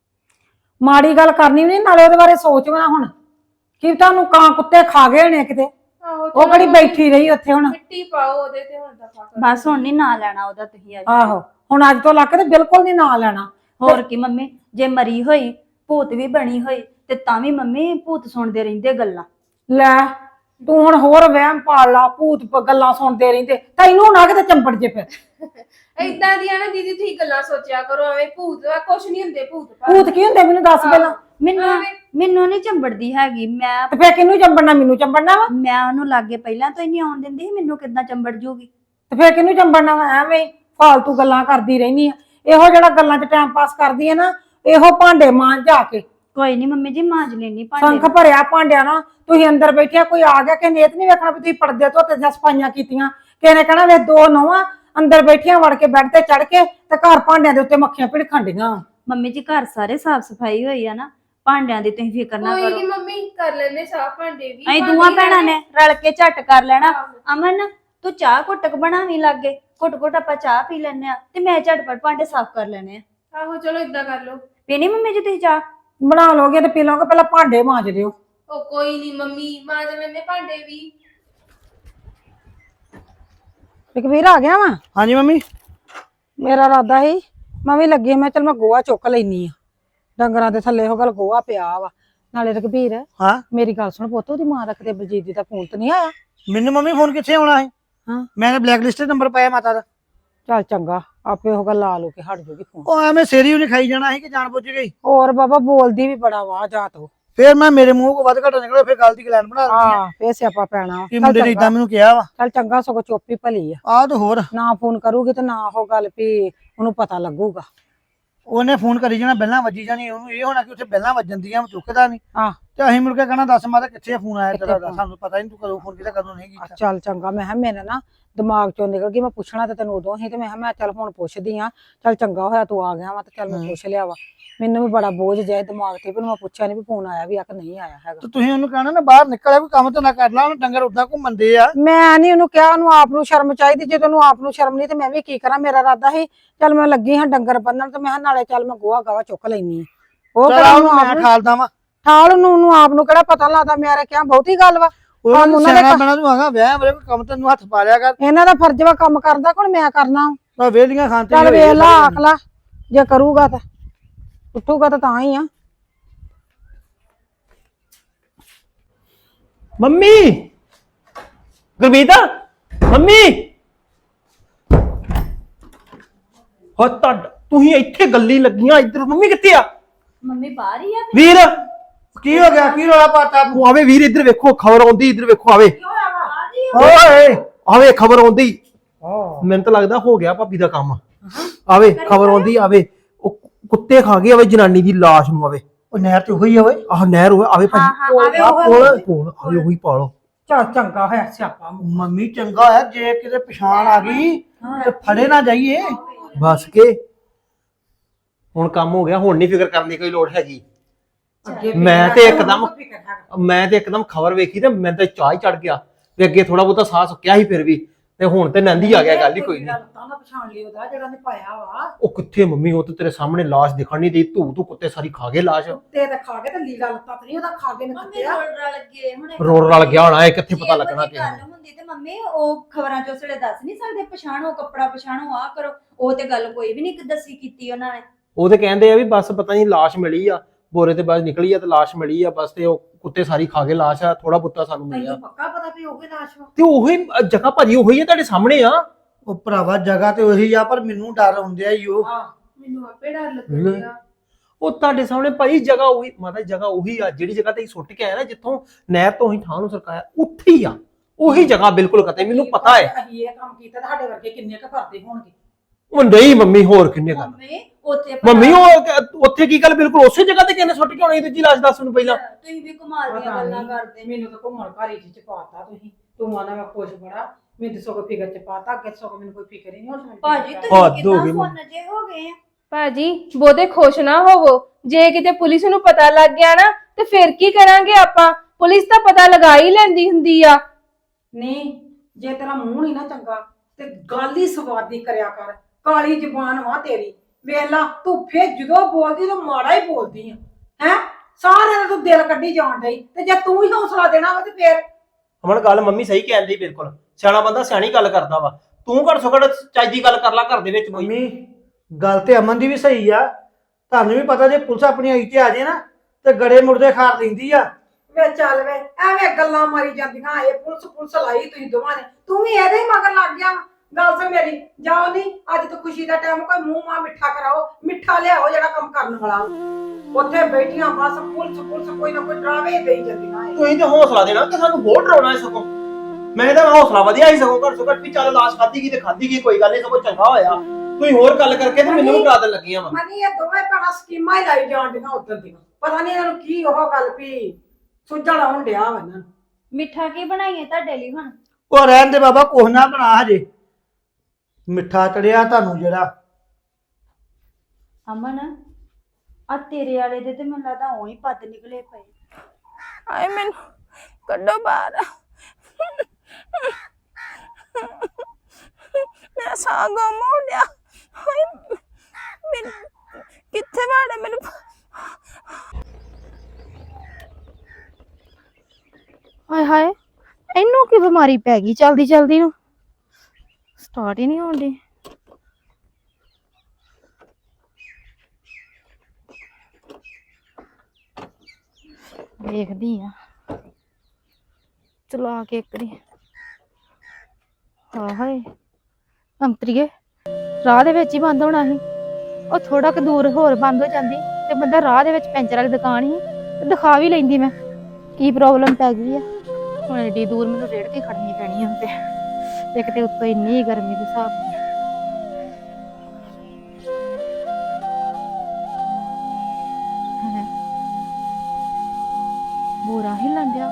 Speaker 1: ਮਾੜੀ ਗੱਲ ਕਰਨੀ ਵੀ ਨਹੀਂ, ਨਾਲੇ ਉਹਦੇ ਬਾਰੇ ਸੋਚਣਾ ਹੁਣ, ਕੀ ਤੁਹਾਨੂੰ ਕਾਂ ਕੁੱਤੇ ਖਾ ਗਏ ਨੇ ਕਿਤੇ।
Speaker 4: ਆਹੋ
Speaker 1: ਉਹ
Speaker 4: ਚਲੋ
Speaker 1: ਕਿਹੜੀ ਬੈਠੀ ਰਹੀ ਉੱਥੇ ਹੁਣ।
Speaker 4: ਮਿੱਟੀ ਪਾਓ ਉਹਦੇ ਤੇ ਹੁਣ ਦਫਾ ਕਰ।
Speaker 5: ਬਸ ਹੁਣ ਨਹੀਂ ਨਾਂ ਲੈਣਾ ਉਹਦਾ ਤੁਸੀਂ ਅੱਜ।
Speaker 1: ਆਹੋ ਹੁਣ ਅੱਜ ਤੋਂ ਲੱਗ ਕੇ ਤੇ ਬਿਲਕੁਲ ਨਹੀਂ ਨਾਂ ਲੈਣਾ।
Speaker 5: ਹੋਰ ਕੀ ਮੰਮੀ, ਜੇ ਮਰੀ ਹੋਈ ਭੂਤ ਵੀ ਬਣੀ ਹੋਈ ਤੇ ਤਾਂ ਵੀ ਮੰਮੀ ਭੂਤ ਸੁਣਦੇ ਰਹਿੰਦੇ ਗੱਲਾਂ।
Speaker 1: ਲੈ ਤੂੰ ਹੁਣ ਹੋਰ ਵਹਿਮ ਪਾਲ ਲਾ, ਭੂਤ ਪ- ਗੱਲਾਂ ਸੁਣਦੇ ਰਹਿੰਦੇ, ਤੈਨੂੰ ਨਾ ਕਿਤੇ ਚੰਬੜ ਜੇ ਫਿਰ।
Speaker 4: ਏਦਾਂ ਦੀਆਂ ਨਾ ਦੀਦੀ ਤੁਸੀਂ ਗੱਲਾਂ ਸੋਚਿਆ ਕਰੋ, ਐਵੇਂ ਭੂਤ ਆ ਕੁਛ ਨਹੀਂ ਹੁੰਦੇ ਭੂਤ ਭਾਤ।
Speaker 1: ਭੂਤ ਕੀ ਹੁੰਦੇ ਮੈਨੂੰ ਦੱਸ ਪਹਿਲਾਂ।
Speaker 5: ਮੈਨੂੰ ਮੈਨੂੰ ਨਹੀਂ ਚੰਬੜਦੀ ਹੈਗੀ। ਮੈਂ
Speaker 1: ਤੇ ਫੇਰ ਕਿਹਨੂੰ ਚੰਬੜਨਾ? ਮੈਨੂੰ ਚੰਬੜਨਾ ਵਾ?
Speaker 5: ਮੈਂ ਉਹਨੂੰ ਲਾਗੇ ਪਹਿਲਾਂ ਤੋਂ ਹੀ ਨਹੀਂ ਆਉਣ ਦਿੰਦੀ ਸੀ, ਮੈਨੂੰ ਕਿੱਦਾਂ ਚੰਬੜ ਜੂਗੀ?
Speaker 1: ਤੇ ਫੇਰ ਕਿਹਨੂੰ ਚੰਬੜਨਾ ਵਾ? ਐਵੇਂ ਹੀ ਫਾਲਤੂ ਗੱਲਾਂ ਕਰਦੀ ਰਹਿਨੀ ਆ। ਇਹੋ ਜਿਹੜਾ ਗੱਲਾਂ 'ਚ ਟਾਈਮ ਪਾਸ ਕਰਦੀ ਆ ਨਾ, ਇਹੋ ਭਾਂਡੇ ਮਾਂਜ ਜਾ ਕੇ।
Speaker 5: ਕੋਈ ਨਹੀਂ ਮੰਮੀ ਜੀ, ਮਾਂਜ ਲੈਣੀ ਭਾਂਡੇ।
Speaker 1: ਸੰਖ ਭਰਿਆ ਭਾਂਡਿਆਂ ਨਾਲ। ਤੁਸੀਂ ਅੰਦਰ ਬੈਠਿਆ, ਕੋਈ ਆ ਗਿਆ ਕਿ ਨੇਤ ਨਹੀਂ ਵੇਖਣਾ ਵੀ ਤੁਸੀਂ ਪਰਦੇ ਧੋਤੇ ਜਾਂ ਸਫਾਈਆਂ ਕੀਤੀਆਂ। ਕਿਸੇ ਨੇ ਕਹਿਣਾ ਵੇ ਦੋ ਨੌਵਾਂ ਅੰਦਰ ਬੈਠੀਆਂ ਵੜ ਕੇ ਬੈੱਡ ਤੇ ਚੜ ਕੇ ਤੇ ਘਰ ਭਾਂਡਿਆਂ ਦੇ ਉੱਤੇ ਮੱਖੀਆਂ ਭਿੜਕਣ ਡੀਆਂ।
Speaker 5: ਮੰਮੀ ਜੀ ਘਰ ਸਾਰੇ ਸਾਫ ਸਫਾਈ ਹੋਈ ਆ ਨਾ, ਭਾਂਡਿਆਂ ਦੀ ਤੁਸੀਂ ਫਿਕਰ ਨਾ
Speaker 4: ਕੋਈ
Speaker 5: ਕਰੋ।
Speaker 4: ਨਹੀਂ ਮੰਮੀ ਕਰ ਲੈਣੇ ਸਾਫ ਭਾਂਡੇ ਵੀ।
Speaker 5: ਅਸੀਂ
Speaker 4: ਭਾਂਡੇ
Speaker 5: ਦੋਵਾਂ
Speaker 4: ਹੀ
Speaker 5: ਭੈਣਾਂ ਨੇ ਰਲ ਕੇ ਝੱਟ ਕਰ ਲੈਣਾ।
Speaker 4: ਆਹੋ।
Speaker 5: ਅਮਨ ਤੂੰ ਚਾਹ ਘੁੱਟਕ ਬਣਾਵੀਂ ਲਾਗੇ, ਘੁੱਟ ਘੁੱਟ ਆਪਾਂ ਚਾਹ ਪੀ ਲੈਣੇ ਆ ਤੇ ਮੈਂ ਝਟਪਟ ਭਾਂਡੇ ਸਾਫ਼ ਕਰ ਲੈਣੇ ਆ।
Speaker 4: ਆਹੋ ਚਲੋ ਇਦਾਂ ਕਰ ਲਓ।
Speaker 5: ਪੀਣੀ ਮੰਮੀ ਜੀ ਤੁਸੀਂ ਚਾਹ?
Speaker 1: ਬਣਾ ਲੋਗੇ ਤੇ ਪੀ ਲਓਗੇ, ਪਹਿਲਾਂ ਭਾਂਡੇ ਮਾਂਜ ਲਿਓ।
Speaker 4: ਉਹ ਕੋਈ ਨਹੀਂ ਮੰਮੀ, ਮਾਂਜ ਲੈਣੇ ਭਾਂਡੇ ਵੀ।
Speaker 1: ਰਘਵੀਰ ਆ ਗਿਆ ਵਾ?
Speaker 3: ਹਾਂਜੀ ਮੰਮੀ।
Speaker 1: ਮੇਰਾ ਇਰਾਦਾ ਸੀ ਮੈਂ ਵੀ ਲੱਗੀ, ਮੈਂ ਚਲ ਮੈਂ ਗੋਹਾ ਚੁੱਕ ਲੈਣੀ ਆ, ਡੰਗਰਾਂ ਦੇ ਥੱਲੇ ਉਹ ਗੱਲ ਗੋਹਾ ਪਿਆ ਵਾ। ਨਾਲੇ ਰਘਵੀਰ
Speaker 3: ਹਾਂ
Speaker 1: ਮੇਰੀ ਗੱਲ ਸੁਣ ਪੁੱਤ, ਉਹਦੀ ਮਾਂ ਦਾ ਕਿਤੇ ਬਲਜੀਤ ਦੀ ਦਾ ਫੋਨ ਤੇ ਨਹੀਂ ਆਇਆ?
Speaker 3: ਮੈਨੂੰ ਮੰਮੀ ਫੋਨ ਕਿੱਥੇ ਆਉਣਾ ਹੈ?
Speaker 1: ਹਾਂ
Speaker 3: ਮੈਂ ਬਲੈਕ ਲਿਸਟ ਨੰਬਰ ਪਾਇਆ ਮਾਤਾ ਦਾ।
Speaker 1: ਚੱਲ ਚੰਗਾ, ਆਪੇ ਉਹ ਗੱਲ ਲਾ ਲੋ ਕੇ ਹਟ ਜੂਗੀ ਫੋਨ।
Speaker 3: ਉਹ ਐਵੇਂ ਸੇਰੀ ਉਹਨੇ ਖਾਈ ਜਾਣਾ ਸੀ ਕਿ ਜਾਣ ਬੁੱਝ ਗਈ।
Speaker 1: ਹੋਰ ਬਾਬਾ ਬੋਲਦੀ ਵੀ ਬੜਾ ਵਾ ਜਾ ਤੋ।
Speaker 3: ਫੇਰ ਮੈਂ ਮੇਰੇ ਮੂੰਹ ਕੋ ਵੱਧ ਘੱਟ ਨਿਕਲੇ, ਫੇਰ ਗੱਲ ਦੀ ਗਲੈਨ ਬਣਾ ਦਿੱਤੀ
Speaker 1: ਹਾਂ ਫੇਰ ਸਿਆਪਾ ਪੈਣਾ ਵਾ।
Speaker 3: ਕਿ
Speaker 1: ਚੱਲ
Speaker 3: ਮੁੰਡੇ ਨੇ
Speaker 1: ਚੰਗਾ,
Speaker 3: ਇਦਾਂ ਮੈਨੂੰ ਕਿਹਾ ਵਾ।
Speaker 1: ਚੱਲ ਚੰਗਾ, ਸਗੋਂ ਚੁੱਪ ਹੀ ਭਲੀ ਆ।
Speaker 3: ਆਹ ਤਾਂ ਹੋਰ
Speaker 1: ਨਾ ਫੋਨ ਕਰੂਗੀ ਤੇ ਨਾ ਉਹ ਗੱਲ ਵੀ ਉਹਨੂੰ ਪਤਾ ਲੱਗੂਗਾ।
Speaker 3: ਉਹਨੇ ਫੋਨ ਕਰੀ ਜਾਣਾ, ਬੈਲਾਂ ਵੱਜੀ ਜਾਣੀ, ਉਹਨੂੰ ਇਹ ਹੋਣਾ ਕਿ ਉੱਥੇ ਬੈਲਾਂ ਵੱਜਣ ਉਹ ਚੁੱਕਦਾ ਨਹੀਂ।
Speaker 1: ਹਾਂ
Speaker 3: ਤੇ ਅਸੀਂ ਮੁੜ ਕੇ ਕਹਿਣਾ ਦੱਸ ਮਾਤਾ ਕਿੱਥੇ ਫੋਨ ਆਇਆ ਤੇਰਾ?
Speaker 1: ਕਿੱਥੇ
Speaker 3: ਸਾਨੂੰ ਪਤਾ ਨਹੀਂ ਤੂੰ ਕਦੋਂ ਫੋਨ ਕੀਤਾ ਕਦੋਂ ਨਹੀਂ ਕੀਤਾ।
Speaker 1: ਚੱਲ ਚੰਗਾ, ਮੈਂ ਕਿਹਾ ਮੇਰਾ ਨਾ ਦਿਮਾਗ ਚੋਂ ਨਿਕਲ ਗਈ, ਮੈਂ ਪੁੱਛਣਾ ਤੇ ਤੈਨੂੰ ਉਦੋਂ ਹੀ, ਤੇ ਮੈਂ ਕਿਹਾ ਮੈਂ ਚੱਲ ਹੁਣ ਪੁੱਛਦੀ ਆ। ਚੱਲ ਚੰਗਾ ਹੋਇਆ ਤੂੰ ਆ ਗਿਆ ਵਾ, ਤੇ ਚੱਲ ਮੈਂ ਪੁੱਛ ਲਿਆ ਵਾ। ਮੈਨੂੰ ਵੀ ਬੜਾ ਬੋਝ ਜਾਏ ਦਿਮਾਗ ਤੇ, ਪਰ ਮੈਂ ਪੁੱਛਿਆ ਨਹੀਂ ਵੀ ਫੋਨ ਆਇਆ ਵੀ ਆ ਕਿ ਨਹੀਂ ਆਇਆ ਹੈਗਾ।
Speaker 3: ਤੇ ਤੁਸੀਂ ਉਹਨੂੰ ਕਹਿਣਾ ਨਾ ਬਾਹਰ ਨਿਕਲਿਆ ਕੋਈ ਕੰਮ ਤਾਂ ਨਾ ਕਰ ਲਾ, ਉਹਨੂੰ ਡੰਗਰ ਉਦਾਂ ਘੁੰਮਣਦੇ ਆ।
Speaker 1: ਮੈਂ ਨਹੀਂ ਉਹਨੂੰ ਕਿਹਾ, ਉਹਨੂੰ ਆਪ ਨੂੰ ਸ਼ਰਮ ਚਾਹੀਦੀ, ਜੇ ਤੈਨੂੰ ਆਪ ਨੂੰ ਸ਼ਰਮ ਨਹੀਂ ਤੇ ਮੈਂ ਵੀ ਕੀ ਕਰਾਂ। ਮੇਰਾ ਇਰਾਦਾ ਸੀ ਚੱਲ ਮੈਂ ਲੱਗੀ ਹਾਂ ਡੰਗਰ ਬੰਨਣ, ਤੇ ਮੈਂ ਕਿਹਾ ਨਾਲੇ ਚੱਲ ਮੈਂ ਗੋਹਾ ਗਾਵਾ ਚੁੱਕ ਲੈਣੀ ਆ। ਉਹ
Speaker 3: ਚਲ
Speaker 1: ਕਿਹੜਾ
Speaker 3: ਉਹਨੂੰ
Speaker 1: ਉਹਨੂੰ
Speaker 3: ਮੈਂ
Speaker 1: ਆਪ ਨੂੰ
Speaker 3: ਠਾਲਦਾ ਵਾ।
Speaker 1: ਠਾਲ ਉਹਨੂੰ, ਉਹਨੂੰ ਆਪ ਨੂੰ ਕਿਹੜਾ ਪਤਾ ਲੱਗਦਾ। ਮੇਰੇ ਕਿਹਾ ਬਹੁਤੀ ਗੱਲ ਵਾ, ਕੰਮ
Speaker 3: ਉਹਨੂੰ
Speaker 1: ਉਹਨਾਂ ਦੇ
Speaker 3: ਸਿਆਣਾ ਬਣਾ ਤੂੰ ਆਗਾ ਵਿਆਹ ਮੇਰੇ ਕੋਈ ਕੰਮ ਤੈਨੂੰ ਹੱਥ ਪਾ ਲਿਆ ਕਰ।
Speaker 1: ਇਹਨਾਂ ਦਾ ਫਰਜ਼ ਵਾ ਕੰਮ ਕਰਦਾ, ਕੋਣ ਮੈਂ ਕਰਨਾ।
Speaker 3: ਤਾਂ ਵੇਲੀਆਂ ਖਾਂਤੇ
Speaker 1: ਚੱਲ ਵੇਖ ਲਾ, ਆਖ ਲਾ, ਜੇ ਕਰੂਗਾ ਤਾਂ ਉੱਠੂਗਾ ਤਾਂ ਤਾਂ ਹੀ ਆ।
Speaker 6: ਮੰਮੀ ਗੁਰਮੀਤ ਮੰਮੀ ਹੋ ਤਾਂ ਤੁਸੀਂ ਇੱਥੇ ਗੱਲੀ ਲੱਗੀਆਂ ਇੱਧਰ ਮੰਮੀ ਕਿੱਥੇ ਆ
Speaker 5: ਮੰਮੀ ਬਾਹਰ ਹੀ ਆ
Speaker 6: ਵੀਰ
Speaker 3: ਕੀ ਹੋ ਗਿਆ ਕੀ ਰੌਲਾ ਪਾਤਾ ਤੂੰ
Speaker 6: ਉਹ ਆਵੇ ਵੀਰ ਇੱਧਰ ਵੇਖੋ ਖਬਰ ਆਉਂਦੀ ਇੱਧਰ ਵੇਖੋ ਆਵੇ
Speaker 3: ਓਏ
Speaker 6: ਆਵੇ ਖਬਰ ਆਉਂਦੀ
Speaker 3: ਹਾਂ
Speaker 6: ਮੈਨੂੰ ਤਾਂ ਲੱਗਦਾ ਹੋ ਗਿਆ ਭਾਬੀ ਦਾ ਕੰਮ ਆਵੇ ਖਬਰ ਆਉਂਦੀ ਆਵੇ ਉਹ ਕੁੱਤੇ ਖਾ ਗਏ ਆਵੇ ਜਨਾਨੀ ਦੀ ਲਾਸ਼ ਨੂੰ ਆਵੇ
Speaker 3: ਉਹ ਨਹਿਰ ਚ ਹੋਈ ਹੋਵੇ
Speaker 6: ਆਹ ਨਹਿਰ ਹੋਵੇ ਆਵੇ ਭਾਜੀ
Speaker 1: ਆਵੇ ਉਹ
Speaker 6: ਕੋਲ ਕੋਲ ਆਵੇ ਉਹੀ ਪਾਲੋ
Speaker 1: ਚਾ ਚੰਗਾ ਹੋਇਆ ਸਿਆਪਾ
Speaker 3: ਮੰਮੀ ਚੰਗਾ ਹੋਇਆ ਜੇ ਕਿਤੇ ਪਛਾਣ ਆ ਗਈ ਤੇ ਫੜੇ ਨਾ ਜਾਈਏ
Speaker 6: ਬਸ ਕੇ ਹੁਣ ਕੰਮ ਹੋ ਗਿਆ ਹੁਣ ਨਹੀਂ ਫਿਕਰ ਕਰਨ ਦੀ ਕੋਈ ਲੋੜ ਹੈਗੀ ਮੈਂ ਤੇ ਇੱਕਦਮ ਮੈਂ ਤੇ ਇੱਕਦਮ ਖਬਰ ਵੇਖੀ ਤੇ ਮੈਂ ਤੇ ਚਾਹ ਹੀ ਚੜ ਗਿਆ ਵੀ ਅੱਗੇ ਥੋੜਾ ਬਹੁਤਾ ਸਾਹ ਸੁੱਕਿਆ ਸੀ ਫਿਰ ਵੀ ਤੇ ਹੁਣ ਤੇ ਨੰਦੀ ਆ ਗਿਆ ਗੱਲ ਹੀ ਕੋਈ ਨਹੀਂ
Speaker 1: ਤਾਂ ਪਛਾਣ ਲਈ ਉਹਦਾ ਜਿਹੜਾ ਨੇ ਪਾਇਆ ਵਾ
Speaker 6: ਉਹ ਕਿੱਥੇ ਮੰਮੀ ਉਹ ਤੇ ਤੇਰੇ ਸਾਹਮਣੇ ਲਾਸ਼ ਦਿਖਣ ਨਹੀਂ ਦੀ ਧੂ ਧੂ ਕੁੱਤੇ ਸਾਰੀ ਖਾ ਗਏ ਲਾਸ਼
Speaker 1: ਤੇ ਤਾਂ ਖਾ ਕੇ ਤੇ ਲੀਲਾ ਲੱਤਾ ਤੇ ਨਹੀਂ ਉਹਦਾ ਖਾ ਕੇ ਨੇ
Speaker 5: ਮੰਮੀ
Speaker 1: ਕੁੱਤਿਆ
Speaker 5: ਰੋਲ ਰਲ ਗਏ ਹੁਣ ਇਹ
Speaker 6: ਰੋੜ ਰਲ ਗਿਆ ਹੋਣਾ ਇਹ ਕਿੱਥੇ
Speaker 5: ਜੇ
Speaker 6: ਪਤਾ
Speaker 5: ਇਹੋ
Speaker 6: ਲੱਗਣਾ
Speaker 5: ਜਿਹੀ
Speaker 6: ਕਿਸੇ
Speaker 5: ਗੱਲ
Speaker 6: ਨੂੰ
Speaker 5: ਹੁੰਦੀ ਤੇ ਮੰਮੀ ਉਹ ਖਬਰਾਂ ਚ ਉਸਲੇ ਦੱਸ ਨਹੀਂ ਸਕਦੇ ਪਛਾਣੋ ਕੱਪੜਾ ਪਛਾਣੋ ਆ ਕਰੋ ਉਹ ਤੇ ਗੱਲ ਕੋਈ ਵੀ ਨਹੀਂ ਦੱਸੀ ਕੀਤੀ ਉਹਨਾਂ ਨੇ
Speaker 6: ਉਹ ਤੇ ਕਹਿੰਦੇ ਆ ਵੀ ਬਸ ਪਤਾ ਨਹੀਂ ਲਾਸ਼ ਮਿਲੀ ਆ ਬੋਰੇ ਤੇ ਬਸ ਨਿਕਲੀ ਆ ਤੇ ਲਾਸ਼ ਮਿਲੀ ਆ ਬਸ ਤੇ ਉਹ ਕੁੱਤੇ ਸਾਰੀ ਖਾ ਗਏ ਲਾਸ਼ ਆ ਥੋੜਾ ਬੁੱਤਾ ਸਾਨੂੰ ਮਿਲਿਆ
Speaker 1: ਤੈਨੂੰ ਪੱਕਾ ਪਤਾ ਵੀ ਹੋਗੇ ਲਾਸ਼ ਵਾ
Speaker 6: ਤੇ ਉਹੀ ਜਗ੍ਹਾ ਭਾਜੀ ਉਹੀ ਆ ਤੁਹਾਡੇ ਸਾਹਮਣੇ ਆ
Speaker 3: ਉਹ ਭਰਾਵਾ ਜਗ੍ਹਾ ਤੇ ਉਹੀ ਆ ਪਰ ਮੈਨੂੰ ਡਰ ਆਉਂਦਿਆ ਈ ਉਹ
Speaker 1: ਹਾਂ ਮੈਨੂੰ ਆਪੇ ਡਰ ਲੱਗਦਾ
Speaker 6: ਉਹ ਤੁਹਾਡੇ ਸਾਹਮਣੇ ਭਾਈ ਜਗ੍ਹਾ ਉਹੀ ਮਾਤਾ ਜਗ੍ਹਾ ਉਹੀ ਆ ਜਿਹੜੀ ਜਗ੍ਹਾ ਤੇ ਅਸੀਂ ਸੁੱਟ ਕੇ ਆਏ ਨਾ ਜਿੱਥੋਂ ਨਹਿਰ ਤੋਂ ਅਸੀਂ ਥਾਂ ਨੂੰ ਸਰਕਾਇਆ ਉੱਥੇ ਹੀ ਆ ਉਹੀ ਜਗ੍ਹਾ ਬਿਲਕੁਲ ਕਤੇ ਮੈਨੂੰ ਪਤਾ ਹੈ
Speaker 1: ਅਸੀਂ ਇਹ ਕੰਮ ਕੀਤਾ ਤਾਂ ਸਾਡੇ ਵਰਗੇ ਕਿੰਨੇ ਕੁ ਕਰਦੇ ਹੋਣਗੇ
Speaker 6: ਉਹ ਨਹੀਂ ਮੰਮੀ ਹੋਰ ਕਿੰਨੇ ਗੱਲ
Speaker 5: ਮੰਮੀ ਉੱਥੇ ਪਤਾ-
Speaker 6: ਮੰਮੀ ਉਹ ਉੱਥੇ ਕੀ ਗੱਲ ਬਿਲਕੁਲ ਉਸੇ ਜਗ੍ਹਾ ਤੇ ਕਿਹਨੇ ਸੁੱਟ ਕੇ ਆਉਣੀ ਦੂਜੀ ਲਾਸ਼ ਦੱਸ ਮੈਨੂੰ ਪਹਿਲਾਂ
Speaker 5: ਤੁਸੀਂ ਵੀ ਕਮਾਲ ਦੀਆਂ
Speaker 1: ਪਤਾ
Speaker 5: ਗੱਲਾਂ
Speaker 1: ਨੀ,
Speaker 5: ਕਰਦੇ
Speaker 1: ਮੈਨੂੰ ਤਾਂ ਘੁੰਮਣ ਘਾਰੀ ਚ ਪਾਤਾ ਤੁਸੀਂ ਤੂੰ ਆਣਾ ਮੈਂ ਖੁਸ਼ ਬੜਾ ਮੈਨੂੰ ਸਗੋਂ ਫਿਕਰ ਚ ਪਾਤਾ ਅੱਗੇ ਸਗੋਂ ਮੈਨੂੰ ਕੋਈ ਫਿਕਰ ਹੀ ਨਹੀਂ ਹੁਣ
Speaker 5: ਭਾਜੀ
Speaker 6: ਹੱਦ
Speaker 5: ਤੁਸੀਂ
Speaker 6: ਹੋ
Speaker 5: ਕਿਦਾਂ
Speaker 6: ਗਈ
Speaker 5: ਫੋਨ ਜੇ ਹੋ ਗਏ ਆ
Speaker 4: ਭਾਜੀ ਬਹੁਤੇ ਖੁਸ਼ ਨਾ ਹੋਵੋ ਜੇ ਕਿਤੇ ਪੁਲਿਸ ਨੂੰ ਪਤਾ ਲੱਗ ਗਿਆ ਨਾ ਤੇ ਫਿਰ ਕੀ ਕਰਾਂਗੇ ਆਪਾਂ ਪੁਲਿਸ ਤਾਂ ਪਤਾ ਲਗਾ ਹੀ ਲੈਂਦੀ ਹੁੰਦੀ ਆ
Speaker 1: ਨਹੀਂ ਜੇ ਤੇਰਾ ਮੂੰਹ ਨਹੀਂ ਨਾ ਚੰਗਾ ਤੇ ਗੱਲ ਹੀ ਸਵਾਦੀ ਕਰਿਆ ਕਰ ਕਾਲੀ ਜ਼ੁਬਾਨ ਵਾ ਤੇਰੀ ਵੇਖ ਲਾ ਤੂੰ ਫੇਰ ਜਦੋਂ ਬੋਲਦੀ ਤਾਂ ਮਾੜਾ ਹੀ ਬੋਲਦੀ ਆ ਹੈ ਸਾਰਿਆਂ ਦਾ ਤੂੰ ਦਿਲ ਕੱਢੀ ਜਾਣ ਡਈ ਤੇ ਜੇ ਤੂੰ ਹੀ ਹੌਸਲਾ ਦੇਣਾ ਵਾ ਤੇ ਫੇਰ
Speaker 6: ਅਮਨ ਗੱਲ ਮੰਮੀ ਸਹੀ ਕਹਿੰਦੀ ਬਿਲਕੁਲ ਸਿਆਣਾ ਬੰਦਾ ਸਿਆਣੀ ਗੱਲ ਕਰਦਾ ਵਾ ਤੂੰ ਘੜ ਸੋ ਘੜ ਚੱਜ ਦੀ ਗੱਲ ਕਰ ਲੈ ਘਰ ਦੇ ਵਿੱਚ ਕੋਈ
Speaker 3: ਮੰਮੀ ਗੱਲ ਤੇ ਅਮਨ ਦੀ ਵੀ ਸਹੀ ਆ ਤੁਹਾਨੂੰ ਵੀ ਪਤਾ ਜੇ ਪੁਲਿਸ ਆਪਣੀ ਆਈ ਤੇ ਆ ਜੇ ਨਾ ਤੇ ਗੜੇ ਮੁਰਦੇ ਖਾਰ ਦਿੰਦੀ ਆ
Speaker 1: ਵੇ ਚੱਲ ਵੇ ਐਵੇਂ ਗੱਲਾਂ ਮਾਰੀ ਜਾਂਦੀਆਂ ਇਹ ਪੁਲਿਸ ਪੁਲਿਸ ਲਾਈ ਤੁਸੀਂ ਦੋਵਾਂ ਨੇ ਤੂੰ ਵੀ ਇਹਦੇ ਹੀ ਮਗਰ ਲੱਗ ਗਿਆ ਗੱਲ ਸੁਣ ਮੇਰੀ ਜਾਓ ਨਹੀਂ ਅੱਜ ਤਾਂ ਖੁਸ਼ੀ ਦਾ ਟਾਈਮ ਕੋਈ ਮੂੰਹ ਮਾ ਮਿੱਠਾ ਕਰਾਓ ਮਿੱਠਾ ਲਿਆਓ ਜਿਹੜਾ ਕੰਮ ਕਰਨ ਵਾਲਾ ਉੱਥੇ ਬੈਠੀਆਂ ਬਸ ਪੁਲਿਸ ਪੁਲਿਸ ਕੋਈ ਨਾ ਕੋਈ ਡਰਾਵੇ ਦੇਈ ਜਾਂਦੀਆਂ ਇਹ।
Speaker 6: ਤੁਸੀਂ ਤੇ ਹੌਸਲਾ ਦੇਣਾ ਕਿ ਸਾਨੂੰ ਹੋਰ ਡਰਾਉਣਾ ਹੈ ਸਗੋਂ ਮੈਂ ਤਾਂ ਹੌਸਲਾ ਵਧੀਆ ਹੀ ਸਗੋਂ ਘੜ ਸੋ ਘੜ ਵੀ ਚੱਲ ਲਾਸ਼ ਖਾਧੀ ਗਈ ਤੇ ਖਾਧੀ ਗਈ ਕੋਈ ਗੱਲ ਨਹੀਂ ਸਗੋਂ ਚੰਗਾ ਹੋਇਆ ਤੁਸੀਂ ਹੋਰ ਗੱਲ ਕਰਕੇ ਤੇ ਮੈਨੂੰ ਵੀ ਕਰਾ ਦੇਣ ਲੱਗੀਆਂ ਵਾ
Speaker 1: ਮਨੀ ਇਹ ਦੋਵੇਂ ਭੈਣਾਂ ਸਕੀਮਾਂ ਹੀ ਲਾਈ ਜਾਣ ਡੀਆਂ ਉਦੋਂ ਦੀਆਂ ਪਤਾ ਨਹੀਂ ਇਹਨਾਂ ਨੂੰ ਕੀ ਉਹ ਗੱਲ ਵੀ ਸੁਝਣ ਆਉਣ ਡਿਆ ਵਾ ਇਹਨਾਂ ਨੂੰ
Speaker 5: ਮਿੱਠਾ ਕੀ ਬਣਾਈਏ ਤੁਹਾਡੇ ਲਈ ਹੁਣ
Speaker 3: ਉਹ ਰਹਿਣ ਦੇ ਬਾਬਾ ਕੁਛ ਨਾ ਬਣਾ ਹਜੇ ਮਿੱਠਾ ਚੜਿਆ ਤੁਹਾਨੂੰ ਜਿਹੜਾ
Speaker 5: ਅਮਨ ਆ ਤੇਰੇ ਵਾਲੇ ਦੇ ਤੇ ਮੈਨੂੰ ਲੱਗਦਾ ਉਹੀ ਪੱਤ ਨਿਕਲੇ ਪਏ
Speaker 4: ਆਏ ਮੈਨੂੰ ਕੱਢੋ ਬਾਹਰ ਮੇਰਾ ਸਾਹ ਗੁੰਮ ਹੋ ਗਿਆ ਹਾਏ ਮੈਨੂੰ ਕਿੱਥੇ ਵਾੜਾ ਮੈਨੂੰ ਹਾਏ ਹਾਏ ਇਹਨੂੰ ਕੀ ਬਿਮਾਰੀ ਪੈ ਗਈ ਚਲਦੀ ਚਲਦੀ ਨੂੰ ਸਟਾਰਟ ਹੀ ਨਹੀਂ ਹੁੰਦੀ ਦੇਖਦੀ ਆ ਚਲਾ ਕੇ ਕਰੀ ਹਾਂ ਹਾਏ ਅੰਤਰੀਏ ਰਾਹ ਦੇ ਵਿੱਚ ਹੀ ਬੰਦ ਹੋਣਾ ਸੀ ਉਹ ਥੋੜਾ ਕੁ ਦੂਰ ਹੋਰ ਬੰਦ ਹੋ ਜਾਂਦੀ ਤੇ ਬੰਦਾ ਰਾਹ ਦੇ ਵਿੱਚ ਪੈਂਚਰ ਵਾਲੀ ਦੁਕਾਨ ਸੀ ਤੇ ਦਿਖਾ ਵੀ ਲੈਂਦੀ ਮੈਂ ਕੀ ਪ੍ਰੋਬਲਮ ਪੈ ਗਈ ਆ ਹੁਣ ਏਡੀ ਦੂਰ ਮੈਨੂੰ ਰੇੜ ਕੇ ਖੜਨੀ ਪੈਣੀ ਹੁਣ ਤੇ ਇੱਕ ਤੇ ਉੱਤੋਂ ਇੰਨੀ ਗਰਮੀ ਦੇ ਹਿਸਾਬ ਨਾਲ ਬੁਰਾ ਹੀ ਲੰਡਿਆ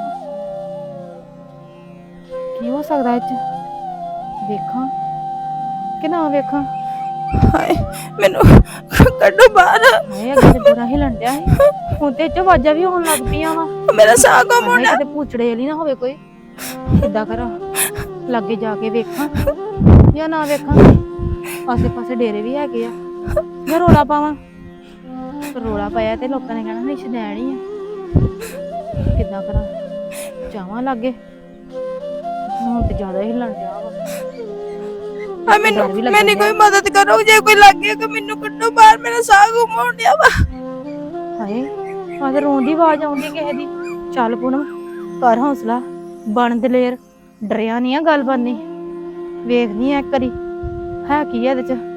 Speaker 4: ਕੀ ਹੋ ਸਕਦਾ ਇਹ ਚ ਵੇਖਾਂ ਕਿ ਨਾ ਵੇਖਾਂ ਹਾਏ ਮੈਨੂੰ ਕੱਢੋ ਬਾਹਰ ਹਾਏ ਅੱਗੇ ਤੇ ਬੁਰਾ ਹੀ ਲੰਡਿਆ ਸੀ ਹੁਣ ਤੇ ਚ ਆਵਾਜ਼ਾਂ ਵੀ ਹੋਣ ਲੱਗ ਪਈਆਂ ਵਾ ਮੇਰਾ ਸਾਹ ਗੁੰਮ ਹੋਣਾ ਕਿਤੇ ਪੂਛੜੇ ਵਾਲੀ ਨਾ ਹੋਵੇ ਕੋਈ ਕਿੱਦਾਂ ਕਰਾਂ ਲਾਗੇ ਜਾ ਕੇ ਵੇਖਾਂ ਜਾਂ ਨਾ ਵੇਖਾਂ ਆਸੇ ਪਾਸੇ ਡੇਰੇ ਵੀ ਹੈਗੇ ਆ ਜਾਂ ਰੋਲਾ ਪਾਵਾਂ ਰੋਲਾ ਪਾਇਆ ਤੇ ਲੋਕਾਂ ਨੇ ਕਹਿਣਾ ਨਹੀਂ ਸ਼ਦੈਣ ਹੀ ਆ ਕਿੱਦਾਂ ਕਰਾਂ ਜਾਵਾਂ ਲਾਗੇ ਹੁਣ ਤੇ ਜ਼ਿਆਦਾ ਹੀ ਹਿੱਲਣ ਡਿਆ ਵਾ ਆ ਮੈਨੂੰ ਮੈਨੇ ਕੋਈ ਮਦਦ ਕਰੋ ਜੇ ਕੋਈ ਲੱਗੇ ਕਿ ਮੈਨੂੰ ਕੱਢੋ ਬਾਹਰ ਮੇਰਾ ਸਾਹ ਗੁੰਮ ਹੋਣ ਡਿਆ ਵਾ ਹਾਏ ਆ ਤੇ ਰੋਣ ਦੀ ਆਵਾਜ਼ ਆਉਂਦੀ ਕਿਸੇ ਦੀ ਚੱਲ ਪੂਨਮ ਕਰ ਹੌਸਲਾ ਬਣ ਦਲੇਰ ਡਰਿਆ ਨਹੀਂ ਆ ਗੱਲ ਬਾਨੀ ਵੇਖਨੀ ਆ ਇੱਕ ਵਾਰੀ ਹੈ ਕੀ ਆ ਇਹਦੇ ਚ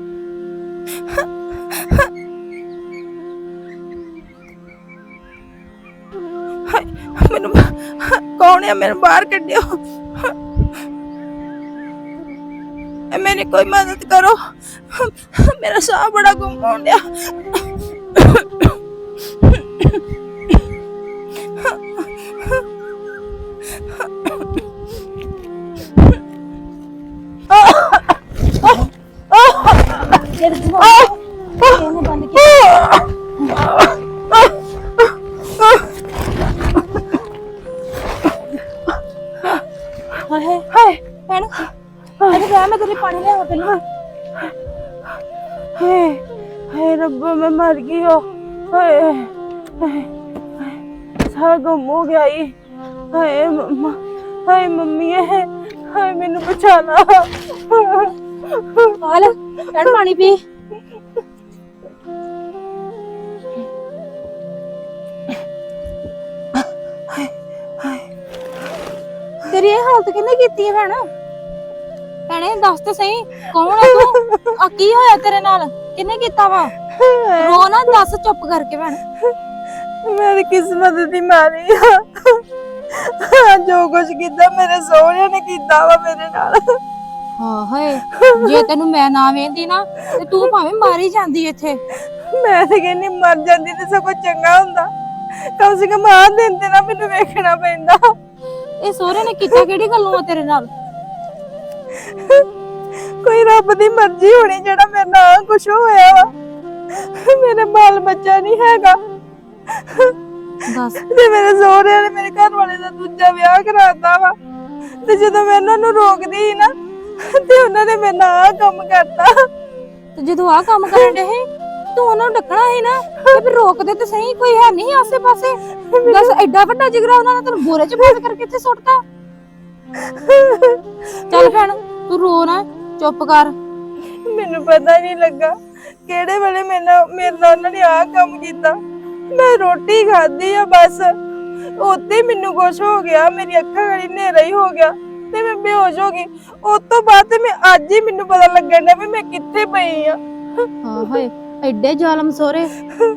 Speaker 4: ਹਾਏ, ਮੈਨੂੰ ਕੌਣ ਆ ਮੈਨੂੰ ਬਾਹਰ ਕੱਢਿਓ ਐ ਮੇਰੀ ਕੋਈ ਮਦਦ ਕਰੋ ਮੇਰਾ ਸਾਹ ਬੜਾ ਗੁੰਮ ਹੋਣ ਡਿਆ ਹਾਏ ਹਾਏ ਭੈਣ ਅਰੇ ਰਹਿ ਮੈਂ ਤੇਰੇ ਪਾਣੀ ਲਿਆਵਾਂ ਪਹਿਲਾਂ ਹਾਏ ਹਾਏ ਰੱਬਾ ਮੈਂ ਮਰ ਗਈ ਹੋ ਹਾਏ ਹਾਏ ਸਾਰਾ ਗੁੰਮ ਹੋ ਗਿਆ ਈ ਹਾਏ ਮੰਮਾ ਹਾਏ ਮੰਮੀ ਹਾਏ ਮੈਨੂੰ ਬਚਾ ਲਾ ਆ ਲੈ ਭੈਣ ਪਾਣੀ ਪੀ ਤੇਰੀ ਇਹ ਹਾਲਤ ਕਿਹਨੇ ਕੀਤੀ ਹੈ ਭੈਣ ਭੈਣੇ ਦੱਸ ਤੇ ਸਹੀ ਕੌਣ ਆ ਤੂੰ ਆ ਕੀ ਹੋਇਆ ਤੇਰੇ ਨਾਲ ਕਿਹਨੇ ਕੀਤਾ ਵਾ ਰੋ ਨਾ ਦੱਸ ਚੁੱਪ ਕਰਕੇ ਭੈਣ ਮੇਰੀ ਕਿਸਮਤ ਦੀ ਮਾਰੀ ਆ ਜੋ ਕੁਝ ਕੀਤਾ ਮੇਰੇ ਸਹੁਰਿਆਂ ਨੇ ਕੀਤਾ ਵਾ ਮੇਰੇ ਨਾਲ ਹਾਂ ਹਾਏ ਜੇ ਤੈਨੂੰ ਮੈਂ ਨਾ ਵੇਂਦੀ ਨਾ ਤੇ ਤੂੰ ਭਾਵੇਂ ਮਾਰੀ ਜਾਂਦੀ ਇੱਥੇ ਮੈਂ ਤੇ ਕਹਿੰਦੀ ਮਰ ਜਾਂਦੀ ਤੇ ਸਭ ਕੁਝ ਚੰਗਾ ਹੁੰਦਾ ਕਮ ਸੇ ਕਮ ਆ ਦਿਨ ਤੇ ਨਾ ਮੈਨੂੰ ਵੇਖਣਾ ਪੈਂਦਾ ਇਹ ਸਹੁਰੇ ਨੇ ਕੀਤਾ ਕਿਹੜੀ ਗੱਲੋਂ ਆ ਤੇਰੇ ਨਾਲ ਕੋਈ ਰੱਬ ਦੀ ਮਰਜ਼ੀ ਹੋਣੀ ਜਿਹੜਾ ਮੇਰੇ ਨਾਲ ਕੁਝ ਹੋਇਆ ਵਾ ਮੇਰੇ ਬਾਲ ਬੱਚਾ ਨਹੀਂ ਹੈਗਾ ਦੱਸ ਤੇ ਮੇਰੇ ਸਹੁਰਿਆਂ ਨੇ ਮੇਰੇ ਘਰ ਵਾਲੇ ਦਾ ਦੂਜਾ ਵਿਆਹ ਕਰਾਤਾ ਵਾ ਤੇ ਜਦੋਂ ਮੈਂ ਉਹਨਾਂ ਨੂੰ ਰੋਕਦੀ ਸੀ ਨਾ ਤੇ ਉਹਨਾਂ ਨੇ ਮੇਰੇ ਨਾਲ ਆਹ ਕੰਮ ਕਰਤਾ ਤੇ ਜਦੋਂ ਆਹ ਕੰਮ ਕਰਨ ਦੇ ਤੂੰ ਉਹਨਾਂ ਨੂੰ ਡੱਕਣਾ ਸੀ ਨਾ ਤੇ ਫਿਰ ਰੋਕਦੇ ਤੇ ਸਹੀ ਕੋਈ ਹੈ ਨਹੀਂ ਆਸੇ ਪਾਸੇ ਦੱਸ ਐਡਾ ਵੱਡਾ ਜਿਗਰਾ ਉਹਨਾਂ ਨੇ ਤੈਨੂੰ ਬੋਰੇ 'ਚ ਬੰਦ ਕਰਕੇ ਇੱਥੇ ਸੁੱਟਤਾ ਚੱਲ ਭੈਣ ਤੂੰ ਰੋ ਨਾ ਚੁੱਪ ਕਰ ਮੈਨੂੰ ਪਤਾ ਨਹੀਂ ਲੱਗਾ ਕਿਹੜੇ ਵੇਲੇ ਮੇਰੇ ਨਾਲ ਮੇਰੇ ਨਾਲ ਉਹਨਾਂ ਨੇ ਆਹ ਕੰਮ ਕੀਤਾ ਮੈਂ ਰੋਟੀ ਖਾਧੀ ਆ ਬਸ ਉੱਤੇ ਮੈਨੂੰ ਕੁਛ ਹੋ ਗਿਆ ਮੇਰੀ ਅੱਖਾਂ ਗੜੀ ਹਨੇਰਾ ਹੀ ਹੋ ਗਿਆ ਤੇ ਮੈਂ ਬੇਹੋਸ਼ ਹੋ ਗਈ ਉਸ ਤੋਂ ਬਾਅਦ ਤੇ ਮੈਂ ਅੱਜ ਹੀ ਮੈਨੂੰ ਪਤਾ ਲੱਗਣ ਡਿਆ ਵੀ ਮੈਂ ਕਿੱਥੇ ਪਈ ਆ ਹਾਂ ਹਾਏ ਐਡੇ ਜ਼ਾਲਮ ਸੋਹਰੇ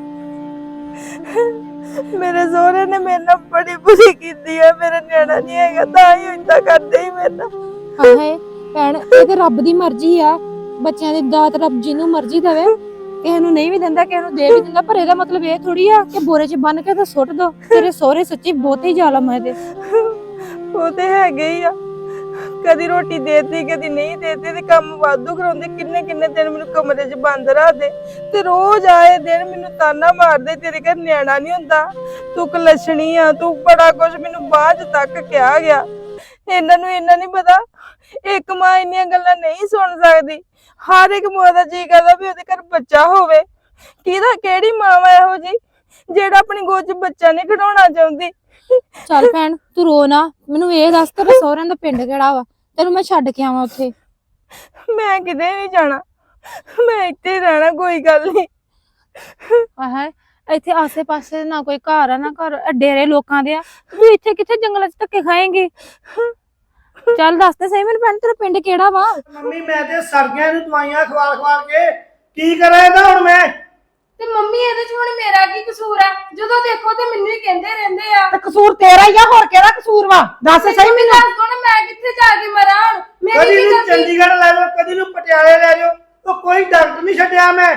Speaker 4: ਮੇਰੇ ਸਹੁਰੇ ਨੇ ਮੇਰੇ ਨਾਲ ਬੜੀ ਬੁਰੀ ਕੀਤੀ ਆ ਮੇਰਾ ਨਿਆਣਾ ਨਹੀਂ ਹੈਗਾ ਤਾਂ ਹੀ ਏਦਾਂ ਕਰਦੇ ਹੀ ਮੇਰੇ ਨਾਲ ਹਾਏ ਭੈਣ ਇਹ ਤੇ ਰੱਬ ਦੀ ਮਰਜ਼ੀ ਆ ਬੱਚਿਆਂ ਦੀ ਦਾਤ ਰੱਬ ਜਿਹਨੂੰ ਮਰਜ਼ੀ ਦੇਵੇ ਕਿਸੇ ਨੂੰ ਨਹੀਂ ਵੀ ਦਿੰਦਾ ਕਿਸੇ ਨੂੰ ਦੇ ਵੀ ਦਿੰਦਾ ਪਰ ਇਹਦਾ ਮਤਲਬ ਇਹ ਥੋੜੀ ਆ ਕਿ ਬੋਰੇ 'ਚ ਬੰਨ ਕੇ ਤਾਂ ਸੁੱਟ ਦੋ ਤੇਰੇ ਸਹੁਰੇ ਸੱਚੀ ਬਹੁਤ ਹੀ ਜ਼ਾਲਮ ਆ ਇਹਦੇ ਉਹ ਤੇ ਹੈਗੇ ਹੀ ਆ ਕਦੀ ਰੋਟੀ ਦੇਤੀ ਕਦੀ ਨਹੀਂ ਦੇਤੀ ਤੇ ਕੰਮ ਵਾਧੂ ਕਰਾਉਂਦੇ ਕਿੰਨੇ ਕਿੰਨੇ ਦਿਨ ਮੈਨੂੰ ਕਮਰੇ 'ਚ ਬੰਦ ਰੱਖਦੇ ਤੇ ਰੋਜ਼ ਆਏ ਦਿਨ ਮੈਨੂੰ ਤਾਨਾ ਮਾਰਦੇ ਤੇਰੇ ਘਰ ਨਿਆਣਾ ਨਹੀਂ ਹੁੰਦਾ ਤੂੰ ਕਲਛਣੀ ਆ ਤੂੰ ਬੜਾ ਕੁਝ ਮੈਨੂੰ ਬਾਅਦ ਤੱਕ ਕਿਹਾ ਗਿਆ ਇਹਨਾਂ ਨੂੰ ਇਹਨਾਂ ਨਹੀਂ ਪਤਾ ਇੱਕ ਮਾਂ ਇੰਨੀਆਂ ਗੱਲਾਂ ਨਹੀਂ ਸੁਣ ਸਕਦੀ ਹਰ ਇੱਕ ਮਾਂ ਦਾ ਜੀ ਕਰਦਾ ਵੀ ਉਹਦੇ ਘਰ ਬੱਚਾ ਹੋਵੇ ਕਿਹਦਾ ਕਿਹੜੀ ਮਾਂ ਵਾ ਇਹੋ ਜੀ ਜਿਹੜਾ ਆਪਣੀ ਗੋਦ 'ਚ ਬੱਚਾ ਨਹੀਂ ਖਿਡਾਉਣਾ ਚਾਹੁੰਦੀ ਚੱਲ ਭੈਣ ਤੂੰ ਰੋ ਨਾ ਮੈਨੂੰ ਇਹ ਦੱਸ ਤੇਰੇ ਸਹੁਰਿਆਂ ਦਾ ਪਿੰਡ ਕਿਹੜਾ ਵਾ ਤੈਨੂੰ ਮੈਂ ਛੱਡ ਕੇ ਆਵਾਂ ਉੱਥੇ ਮੈਂ ਕਿਤੇ ਨਹੀਂ ਜਾਣਾ ਮੈਂ ਇੱਥੇ ਰਹਿਣਾ ਕੋਈ ਗੱਲ ਨਹੀਂ ਆਹ ਇੱਥੇ ਆਸੇ ਪਾਸੇ ਨਾ ਕੋਈ ਘਰ ਆ ਨਾ ਘਰ ਡੇਰੇ ਲੋਕਾਂ ਦੇ ਆ ਤੂੰ ਇੱਥੇ ਕਿੱਥੇ ਜੰਗਲਾਂ 'ਚ ਧੱਕੇ ਖਾਏਂਗੀ ਚੱਲ ਦੱਸ ਤੇ ਸਹੀ ਮੈਨੂੰ ਭੈਣ ਤੇਰਾ ਪਿੰਡ ਕਿਹੜਾ ਵਾ
Speaker 3: ਮੰਮੀ ਮੈਂ ਤੇ ਸਰਗਿਆਂ ਨੂੰ ਦਵਾਈਆਂ ਖਵਾਲ ਖਵਾਲ ਕੇ ਕੀ ਕਰਾਂ ਇਹਦਾ ਹੁਣ ਮੈਂ
Speaker 7: ਤੇ ਮੰਮੀ ਇਹਦੇ ਚ ਹੁਣ ਮੇਰਾ ਕੀ ਕਸੂਰ ਆ ਜਦੋਂ ਦੇਖੋ ਤੇ ਮੈਨੂੰ ਹੀ ਕਹਿੰਦੇ ਰਹਿੰਦੇ ਆ
Speaker 1: ਤੇ ਕਸੂਰ ਤੇਰਾ ਹੀ ਆ ਹੋਰ ਕਿਹੜਾ ਕਸੂਰ ਵਾ ਦੱਸ ਸਹੀ ਮੈਨੂੰ
Speaker 7: ਦੱਸ ਦੋ ਨਾ ਮੈਂ ਕਿੱਥੇ ਜਾ ਕੇ ਮਰਾਂ ਹੁਣ ਮੇਰੀ
Speaker 3: ਕਦੀ
Speaker 7: ਕੀ
Speaker 3: ਨੂੰ
Speaker 7: ਗਲਤੀ
Speaker 3: ਚੰਡੀਗੜ੍ਹ ਲੈ ਜਾਓ ਕਦੀ ਨੂੰ ਪਟਿਆਲੇ ਲੈ ਜਾਓ ਉਹ ਕੋਈ ਡਾਕਟਰ ਨਹੀਂ ਛੱਡਿਆ ਮੈਂ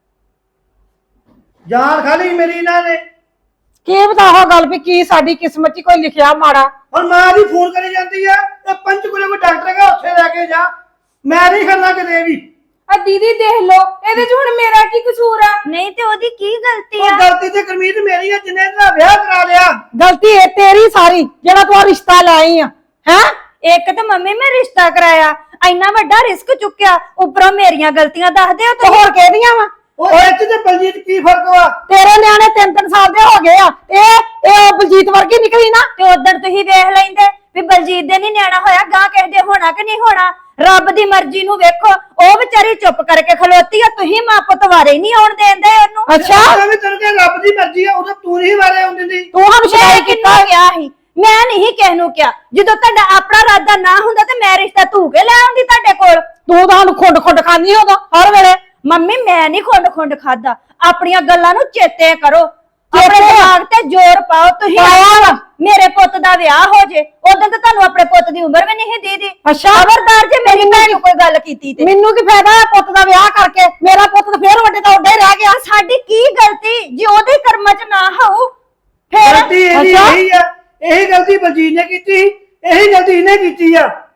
Speaker 3: ਜਾਨ ਖਾਲੀ ਮੇਰੀ ਇਹਨਾਂ ਨੇ
Speaker 1: ਕੀ ਬਤਾਓ ਗੱਲ ਵੀ ਕੀ ਸਾਡੀ ਕਿਸਮਤ 'ਚ ਕੋਈ ਲਿਖਿਆ ਮਾੜਾ
Speaker 3: ਹੁਣ ਮਾਂ ਦੀ ਫੋਨ ਕਰੀ ਜਾਂਦੀ ਆ ਇਹ ਪੰਚਕੂਲੇ ਕੋਈ ਡਾਕਟਰ ਹੈਗਾ ਉੱਥੇ ਲੈ ਕੇ ਜਾ ਮੈਂ ਨਹੀਂ ਖੜਨਾ ਕਿਤੇ ਵੀ
Speaker 7: ਆ ਦੀਦੀ ਦੇਖ ਲੋ ਇਹਦੇ ਚ ਹੁਣ ਮੇਰਾ ਕੀ ਕਸੂਰ ਆ
Speaker 5: ਨਹੀਂ ਤੇ ਉਹਦੀ ਕੀ ਗਲਤੀ
Speaker 3: ਉਹ
Speaker 5: ਆ
Speaker 3: ਗਲਤੀ ਤੇ ਗੁਰਮੀਤ ਮੇਰੀ ਆ ਜਿੰਨੇ ਇਹਦਾ ਵਿਆਹ ਕਰਾ ਲਿਆ
Speaker 1: ਗਲਤੀ ਇਹ ਤੇਰੀ ਸਾਰੀ ਜਿਹੜਾ ਤੂੰ ਆਹ ਰਿਸ਼ਤਾ ਲੈ ਆਈ ਆ ਹੈ
Speaker 5: ਇੱਕ ਤਾਂ ਮੰਮੀ ਮੈਂ ਰਿਸ਼ਤਾ ਕਰਾਇਆ ਇੰਨਾ ਵੱਡਾ ਰਿਸਕ ਚੁੱਕਿਆ ਉੱਪਰੋਂ ਮੇਰੀਆਂ ਗਲਤੀਆਂ ਦੱਸਦੇ ਹੋ
Speaker 1: ਤੇ
Speaker 5: ਤੁਸੀਂ
Speaker 1: ਹੋਰ ਕਿਹਦੀਆਂ ਵਾ
Speaker 3: ਉਹ ਇੱਥੇ ਤੇ ਬਲਜੀਤ ਕੀ ਫਰਕ ਵਾ
Speaker 1: ਤੇਰੇ ਨਿਆਣੇ ਤਿੰਨ ਤਿੰਨ ਸਾਲ ਦੇ ਹੋ ਗਏ ਆ ਇਹ ਇਹ ਬਲਜੀਤ ਵਰਗੀ ਨਿਕਲੀ ਨਾ
Speaker 5: ਤੇ ਉਧਰ ਤੁਸੀਂ ਵੇਖ ਲੈਂਦੇ ਵੀ ਬਲਜੀਤ ਦੇ ਨਹੀਂ ਨਿਆਣਾ ਹੋਇਆ ਗਾਂ ਕਿਸੇ ਦੇ ਹੋਣਾ ਕਿ ਨਹੀਂ ਹੋਣਾ ਰੱਬ ਦੀ ਮਰਜ਼ੀ ਨੂੰ ਵੇਖੋ ਉਹ ਵਿਚਾਰੀ ਚੁੱਪ ਕਰਕੇ ਖਲੋਤੀ ਆ ਤੁਸੀਂ ਮਾਂ ਪੁੱਤ ਵਾਰੇ ਨਹੀਂ ਆਉਣ ਦੇਂਦੇ ਉਹਨੂੰ
Speaker 1: ਅੱਛਾ
Speaker 3: ਮੈਂ ਵੀ ਤੈਨੂੰ ਕਿਹਾ ਰੱਬ ਦੀ ਮਰਜ਼ੀ ਆ ਉਦੋਂ ਤੂੰ ਨਹੀਂ ਵਾਰੇ ਆਉਂਦੀ ਸੀ
Speaker 1: ਤੂੰ ਹਮ ਸ਼ਿਕਾਇਤ ਕੀਤਾ
Speaker 5: ਗਿਆ ਸੀ ਮੈਂ ਨਹੀਂ ਕਿਸ ਨੂੰ ਕਿਹਾ। ਜਦੋਂ ਤੁਹਾਡਾ ਆਪਣਾ ਇਰਾਦਾ ਨਾ ਹੁੰਦਾ ਤੇ ਮੈਂ ਰਿਸ਼ਤਾ ਧੂ ਕੇ ਲੈ ਆਉਂਦੀ ਤੁਹਾਡੇ ਕੋਲ।
Speaker 2: ਤੂੰ ਤਾਂ ਸਾਨੂੰ ਖੁੰਡ ਖੁੰਡ ਖਾਂਦੀ ਉਹਦਾ ਹਰ ਵੇਲੇ।
Speaker 5: ਮੰਮੀ ਮੈਂ ਨਹੀਂ ਖੁੰਡ ਖੁੰਡ ਖਾਦਾ। ਆਪਣੀਆਂ ਗੱਲਾਂ ਨੂੰ ਚੇਤੇ ਕਰੋ, ਆਪਣੇ ਦਿਮਾਗ ਤੇ ਜ਼ੋਰ ਪਾਓ। ਤੁਸੀਂ ਮੇਰੇ ਪੁੱਤ ਦਾ ਵਿਆਹ ਹੋ ਜੇ, ਉਦੋਂ ਤਾਂ ਤੁਹਾਨੂੰ ਆਪਣੇ ਪੁੱਤ ਦੀ ਉਮਰ ਵੀ ਨਹੀਂ ਦੀਦੀ।
Speaker 2: ਅੱਛਾ
Speaker 5: ਖਬਰਦਾਰ ਜੇ ਮੇਰੀ ਭੈਣ ਨੂੰ ਕੋਈ ਗੱਲ ਕੀਤੀ ਤੇ।
Speaker 2: ਮੈਨੂੰ ਕੀ ਫਾਇਦਾ ਹੈ ਪੁੱਤ ਦਾ ਵਿਆਹ ਕਰਕੇ? ਮੇਰਾ ਪੁੱਤ ਤਾਂ ਫੇਰ ਵੱਡੇ ਤੋਂ ਵੱਡਾ ਹੀ ਰਹਿ ਗਿਆ।
Speaker 5: ਸਾਡੀ ਕੀ ਗਲਤੀ ਜੇ ਉਹਦੇ ਕਰਮਾਂ 'ਚ ਨਾ ਹੋਊ ਫੇਰ?
Speaker 3: ਗਲਤੀ ਇਹਦੀ ਇਹੀ ਆ, ਇਹੀ ਗਲਤੀ ਬਲਜੀਤ ਨੇ ਕੀਤੀ, ਇਹੀ ਗਲਤੀ ਇਹਨੇ ਕੀਤੀ ਆ।